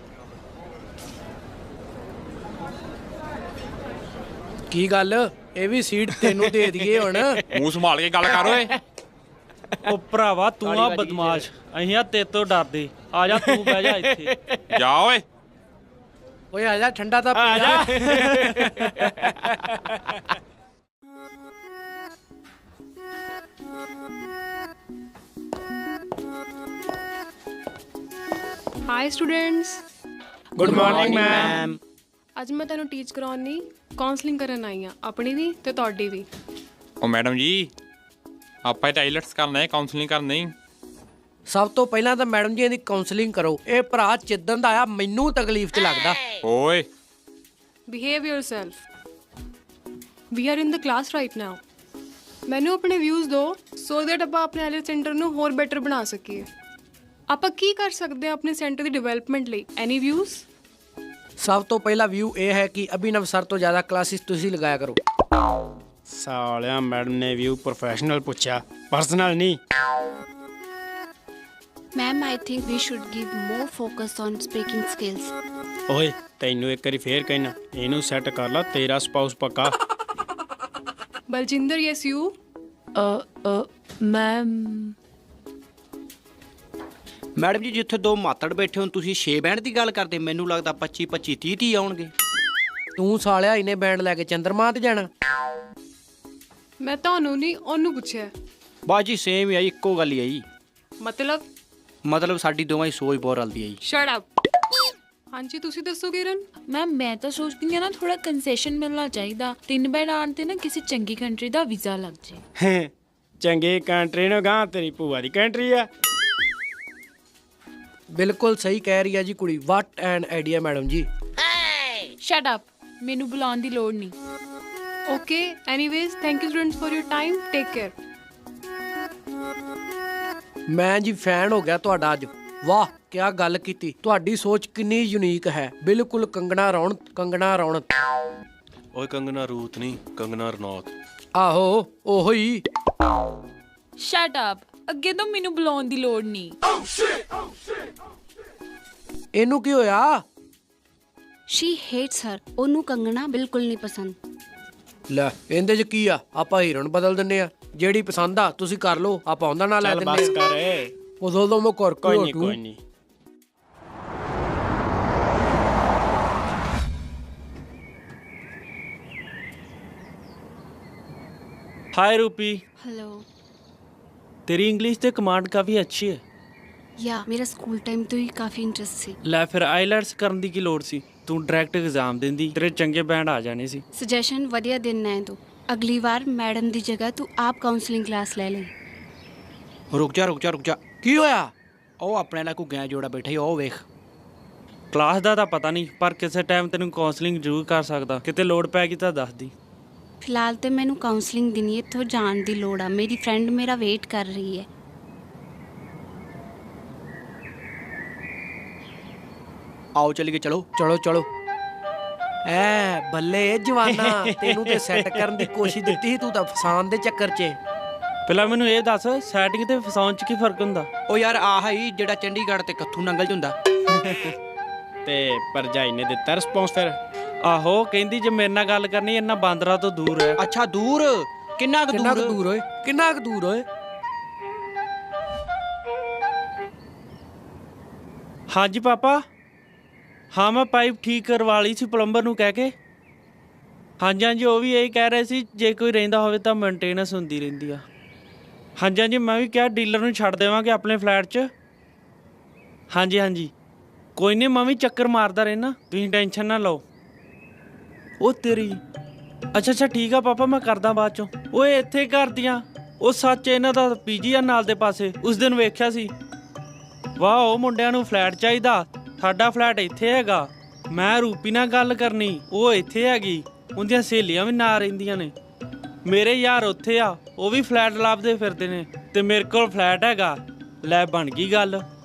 ਕੀ ਗੱਲ, ਇਹ ਵੀ ਸੀਟ ਤੈਨੂੰ ਦੇ ਦਈਏ ਹੁਣ?
ਮੂੰਹ ਸੰਭਾਲ ਕੇ ਗੱਲ ਕਰ ਓਏ।
ਉਹ ਭਰਾਵਾ ਤੂੰ ਆ ਬਦਮਾਸ਼ ਅਸੀਂ ਆ ਤੇਰੇ ਤੋਂ ਡਰਦੇ ਆ ਜਾ ਤੂੰ ਬਹਿ ਜਾ ਇੱਥੇ
ਜਾ ਓਏ
ਓਏ ਆ ਜਾ ਠੰਡਾ ਤਾਂ ਪੀ ਜਾ
hi students
good morning ma'am.
ਅੱਜ ਮੈਂ ਤੁਹਾਨੂੰ ਟੀਚ ਕਰਾਉਣ ਲਈ ਕਾਉਂਸਲਿੰਗ ਕਰਨ ਆਈ ਆ, ਆਪਣੀ ਵੀ ਤੇ ਤੁਹਾਡੀ ਵੀ।
ਉਹ ਮੈਡਮ ਜੀ ਆਪਾਂ ਟਾਇਲਟਸ ਕਰਨਾ ਹੈ ਕਾਉਂਸਲਿੰਗ ਕਰਨਾ ਨਹੀਂ।
ਸਭ ਤੋਂ ਪਹਿਲਾਂ ਤਾਂ ਮੈਡਮ ਜੀ ਇਹਦੀ ਕਾਉਂਸਲਿੰਗ ਕਰੋ। ਇਹ ਭਰਾ ਜਿੱਦਣ ਦਾ ਆਇਆ ਮੈਨੂੰ ਤਕਲੀਫ 'ਚ ਲੱਗਦਾ।
ਓਏ
behave yourself. We are in the class right now. ਮੈਨੂੰ ਆਪਣੇ ਵਿਊਜ਼ ਦਿਓ ਸੋ ਦੈਟ ਆਪਾਂ ਆਪਣੇ ਆਈਲੈਟਸ ਸੈਂਟਰ ਨੂੰ ਹੋਰ ਬੈਟਰ ਬਣਾ ਸਕੀਏ। ਆਪਾਂ ਕੀ ਕਰ ਸਕਦੇ ਹਾਂ ਆਪਣੇ ਸੈਂਟਰ ਦੀ ਡਿਵੈਲਪਮੈਂਟ ਲਈ? Any views?
ਸਭ ਤੋਂ ਪਹਿਲਾ ਵਿਊ ਇਹ ਹੈ ਕਿ ਅਭਿਨਵ ਸਰ ਤੋਂ ਜ਼ਿਆਦਾ ਕਲਾਸਿਸ ਤੁਸੀਂ ਲਗਾਇਆ ਕਰੋ।
ਸਾਲਿਆ ਮੈਡਮ ਨੇ ਵਿਊ ਪ੍ਰੋਫੈਸ਼ਨਲ ਪੁੱਛਿਆ, ਪਰਸਨਲ ਨਹੀਂ।
Ma'am, I think we should give more focus on speaking skills.
ਓਏ ਤੈਨੂੰ ਇੱਕ ਵਾਰੀ ਫੇਰ ਕਹਿਣਾ, ਇਹਨੂੰ ਸੈੱਟ ਕਰ ਲਾ, ਤੇਰਾ ਸਪਾਊਸ ਪੱਕਾ।
Baljinder, yes you.
Ma'am
madam ਜੀ ਜਿੱਥੇ ਦੋ ਮਾਤੜ ਬੈਠੇ ਹੋ ਤੁਸੀਂ ਛੇ ਬੈਂਡ ਦੀ ਗੱਲ ਕਰਦੇ, ਮੈਨੂੰ ਲੱਗਦਾ ਪੱਚੀ ਪੱਚੀ ਤੀਹ ਤੀਹ ਆਉਣਗੇ।
ਤੂੰ ਸਾਲਿਆ ਇਹਨੇ ਬੈਂਡ ਲੈ ਕੇ ਚੰਦਰਮਾ ਤੇ ਜਾਣਾ?
ਮੈਂ ਤੁਹਾਨੂੰ ਨਹੀਂ ਉਹਨੂੰ ਪੁੱਛਿਆ।
ਬਾਜੀ ਸੇਮ ਹੀ ਆਈ, ਇੱਕੋ ਗੱਲ ਹੀ ਆਈ।
ਮਤਲਬ
ਮਤਲਬ ਸਾਡੀ ਦੋਵਾਂ ਦੀ ਸੋਚ ਬਹੁਤ ਰਲਦੀ ਆਈ।
Shut up. ਹਾਂਜੀ ਤੁਸੀਂ ਦੱਸੋ ਕਿਰਨ।
ਮੈਮ ਮੈਂ ਤਾਂ ਸੋਚਦੀ ਹਾਂ ਨਾ ਥੋੜਾ ਕੰਸੈਸ਼ਨ ਮਿਲਣਾ ਚਾਹੀਦਾ। ਤਿੰਨ ਬੈਡ ਆਉਣ ਤੇ ਨਾ ਕਿਸੇ ਚੰਗੀ ਕੰਟਰੀ ਦਾ ਵੀਜ਼ਾ ਲੱਗ ਜੇ।
ਚੰਗੀ ਕੰਟਰੀ ਨੂੰ ਗਾਂ ਤੇਰੀ ਭੂਆ ਦੀ ਕੰਟਰੀ ਆ।
ਬਿਲਕੁਲ ਸਹੀ ਕਹਿ ਰਹੀ ਆ ਜੀ ਕੁੜੀ। ਵਾਟ ਐਨ ਆਈਡੀਆ ਮੈਡਮ ਜੀ।
ਸ਼ਟ ਅਪ, ਮੈਨੂੰ ਬੁਲਾਉਣ ਦੀ ਲੋੜ ਨਹੀਂ।
Okay, anyways thank you students for your time. Take care.
ਮੈਂ ਜੀ ਫੈਨ ਹੋ ਗਿਆ ਤੁਹਾਡਾ ਅੱਜ। ਵਾਹ ਕਿਆ ਗੱਲ ਕੀਤੀ। ਤੁਹਾਡੀ ਸੋਚ ਕਿੰਨੀ ਯੂਨੀਕ ਹੈ। ਬਿਲਕੁਲ ਕੰਗਣਾ ਰੌਣਕ। ਕੰਗਣਾ ਰੌਣਕ।
ਓਏ ਕੰਗਨਾ ਰੂਤ ਨਹੀਂ, ਕੰਗਨਾ ਰਣੌਤ।
ਆਹੋ ਉਹੋ ਹੀ।
ਸ਼ਟ ਅਪ, ਅੱਗੇ ਤੋਂ ਮੈਨੂੰ ਬੁਲਾਉਣ ਦੀ ਲੋੜ ਨਹੀਂ।
ਇਹਨੂੰ ਕੀ ਹੋਇਆ?
She hates her. ਉਹਨੂੰ ਕੰਗਣਾ ਬਿਲਕੁਲ ਨਹੀਂ ਪਸੰਦ।
ਲੈ ਇਹਦੇ 'ਚ ਕੀ ਆ, ਆਪਾਂ ਹੀਰੋਇਨ ਬਦਲ ਦਿੰਨੇ ਆ। ਜਿਹੜੀ ਪਸੰਦ ਆ ਤੁਸੀਂ ਕਰ ਲਓ, ਆਪਾਂ ਉਹਦਾ ਨਾਂ ਲੈ
ਚੱਲ
ਦਿੰਨੇ
ਬਸ ਕਰ।
ਬਦਲ ਦੋ ਮੈਂ ਕਰ
ਕੋਈ ਨਹੀਂ ਕੋਈ ਨਹੀਂ।
हाय रूपी,
हेलो।
तेरी इंग्लिश ਤੇ ਕਮਾਂਡ ਕਾਫੀ ਅੱਛੀ ਹੈ।
ਯਾ ਮੇਰਾ ਸਕੂਲ ਟਾਈਮ ਤੋਂ ਹੀ ਕਾਫੀ ਇੰਟਰਸਟ ਸੀ।
ਲੈ ਫਿਰ ਆਈਲੈਟਸ ਕਰਨ ਦੀ ਕੀ ਲੋੜ ਸੀ? ਤੂੰ ਡਾਇਰੈਕਟ ਐਗਜ਼ਾਮ ਦਿੰਦੀ, ਤੇਰੇ ਚੰਗੇ ਬੈਂਡ ਆ ਜਾਣੇ ਸੀ।
ਸੁਜੈਸ਼ਨ ਵਧੀਆ ਦੇਣਾ ਹੈ ਤੂੰ। ਅਗਲੀ ਵਾਰ ਮੈਡਮ ਦੀ ਜਗ੍ਹਾ ਤੂੰ ਆਪ ਕਾਉਂਸਲਿੰਗ ਕਲਾਸ ਲੈ ਲੈ।
ਰੁਕ ਜਾ ਰੁਕ ਜਾ ਰੁਕ ਜਾ। ਕੀ ਹੋਇਆ? ਉਹ ਆਪਣੇ ਨਾਲ ਘੁੱਗਿਆਂ ਜੋੜਾ ਬੈਠਾ ਹੀ, ਉਹ ਵੇਖ।
ਕਲਾਸ ਦਾ ਤਾਂ ਪਤਾ ਨਹੀਂ, ਪਰ ਕਿਸੇ ਟਾਈਮ ਤੈਨੂੰ ਕਾਉਂਸਲਿੰਗ ਜ਼ਰੂਰ ਕਰ ਸਕਦਾ। ਕਿਤੇ ਲੋੜ ਪੈ ਗਈ ਤਾਂ ਦੱਸ ਦੀ।
ਫਿਲਹਾਲ ਤੇ ਮੈਨੂੰ ਕਾਉਂਸਲਿੰਗ ਦੀ ਨਹੀਂ, ਇੱਥੋਂ ਜਾਣ ਦੀ ਲੋੜ ਆ। ਮੇਰੀ ਫਰੈਂਡ ਮੇਰਾ ਵੇਟ ਕਰ ਰਹੀ ਹੈ।
ਆਓ ਚੱਲੀਏ। ਚਲੋ
ਚਲੋ ਚਲੋ। ਐ ਬੱਲੇ ਜਵਾਨਾ, ਤੈਨੂੰ ਤੇ ਸੈੱਟ ਕਰਨ ਦੀ ਕੋਸ਼ਿਸ਼ ਦਿੱਤੀ ਸੀ, ਤੂੰ ਤਾਂ ਫਸਾਨ ਦੇ ਚੱਕਰ 'ਚ।
ਪਹਿਲਾਂ ਮੈਨੂੰ ਇਹ ਦੱਸ, ਸੈਟਿੰਗ ਤੇ ਫਸਾਉਣ 'ਚ ਕੀ ਫਰਕ ਹੁੰਦਾ?
ਉਹ ਯਾਰ ਆਹ ਹੀ ਜਿਹੜਾ ਚੰਡੀਗੜ੍ਹ ਤੇ ਕੱਥੂ ਨੰਗਲ 'ਚ ਹੁੰਦਾ।
ਤੇ ਭਰਜਾਈ ਨੇ ਦਿੱਤਾ ਰਿਸਪੌਂਸ ਫਿਰ?
ਆਹੋ ਕਹਿੰਦੀ ਜੇ ਮੇਰੇ ਨਾਲ ਗੱਲ ਕਰਨੀ ਇਹਨਾਂ ਬਾਂਦਰਾਂ ਤੋਂ ਦੂਰ ਹੈ।
ਅੱਛਾ ਦੂਰ? ਕਿੰਨਾ ਕੁ
ਕਿੰਨਾ ਕੁ
ਦੂਰ?
ਦੂਰ ਓਏ? ਕਿੰਨਾ ਕੁ ਦੂਰ ਓਏ?
ਹਾਂਜੀ ਪਾਪਾ। ਹਾਂ ਮੈਂ ਪਾਈਪ ਠੀਕ ਕਰਵਾ ਲਈ ਸੀ ਪਲੰਬਰ ਨੂੰ ਕਹਿ ਕੇ। ਹਾਂਜੀ ਹਾਂਜੀ ਉਹ ਵੀ ਇਹੀ ਕਹਿ ਰਹੇ ਸੀ ਜੇ ਕੋਈ ਰਹਿੰਦਾ ਹੋਵੇ ਤਾਂ ਮੇਨਟੇਨੈਂਸ ਹੁੰਦੀ ਰਹਿੰਦੀ ਆ। ਹਾਂਜੀ ਹਾਂਜੀ ਮੈਂ ਵੀ ਕਿਹਾ ਡੀਲਰ ਨੂੰ ਛੱਡ ਦੇਵਾਂਗੇ ਆਪਣੇ ਫਲੈਟ 'ਚ। ਹਾਂਜੀ ਹਾਂਜੀ ਕੋਈ ਨਹੀਂ, ਮੈਂ ਵੀ ਚੱਕਰ ਮਾਰਦਾ ਰਹਿਣਾ, ਤੁਸੀਂ ਟੈਨਸ਼ਨ ਨਾ ਲਓ। ਉਹ ਤੇਰੀ। ਅੱਛਾ ਅੱਛਾ ਠੀਕ ਆ ਪਾਪਾ, ਮੈਂ ਕਰਦਾ ਬਾਅਦ 'ਚੋਂ। ਓਏ ਇੱਥੇ ਕਰਦੀਆਂ। ਉਹ ਸੱਚ ਇਹਨਾਂ ਦਾ ਪੀਜੀ ਆ ਨਾਲ ਦੇ ਪਾਸੇ, ਉਸ ਦਿਨ ਵੇਖਿਆ ਸੀ। ਵਾਹ ਉਹ ਮੁੰਡਿਆਂ ਨੂੰ ਫਲੈਟ ਚਾਹੀਦਾ, ਸਾਡਾ ਫਲੈਟ ਇੱਥੇ ਹੈਗਾ। ਮੈਂ ਰੂਪੀ ਨਾਲ ਗੱਲ ਕਰਨੀ, ਉਹ ਇੱਥੇ ਹੈਗੀ। ਉਹਦੀਆਂ ਸਹੇਲੀਆਂ ਵੀ ਨਾਲ ਰਹਿੰਦੀਆਂ ਨੇ। ਮੇਰੇ ਯਾਰ ਉੱਥੇ ਆ, ਉਹ ਵੀ ਫਲੈਟ ਲੱਭਦੇ ਫਿਰਦੇ ਨੇ, ਤੇ ਮੇਰੇ ਕੋਲ ਫਲੈਟ ਹੈਗਾ। ਲੈ ਬਣ ਗਈ ਗੱਲ।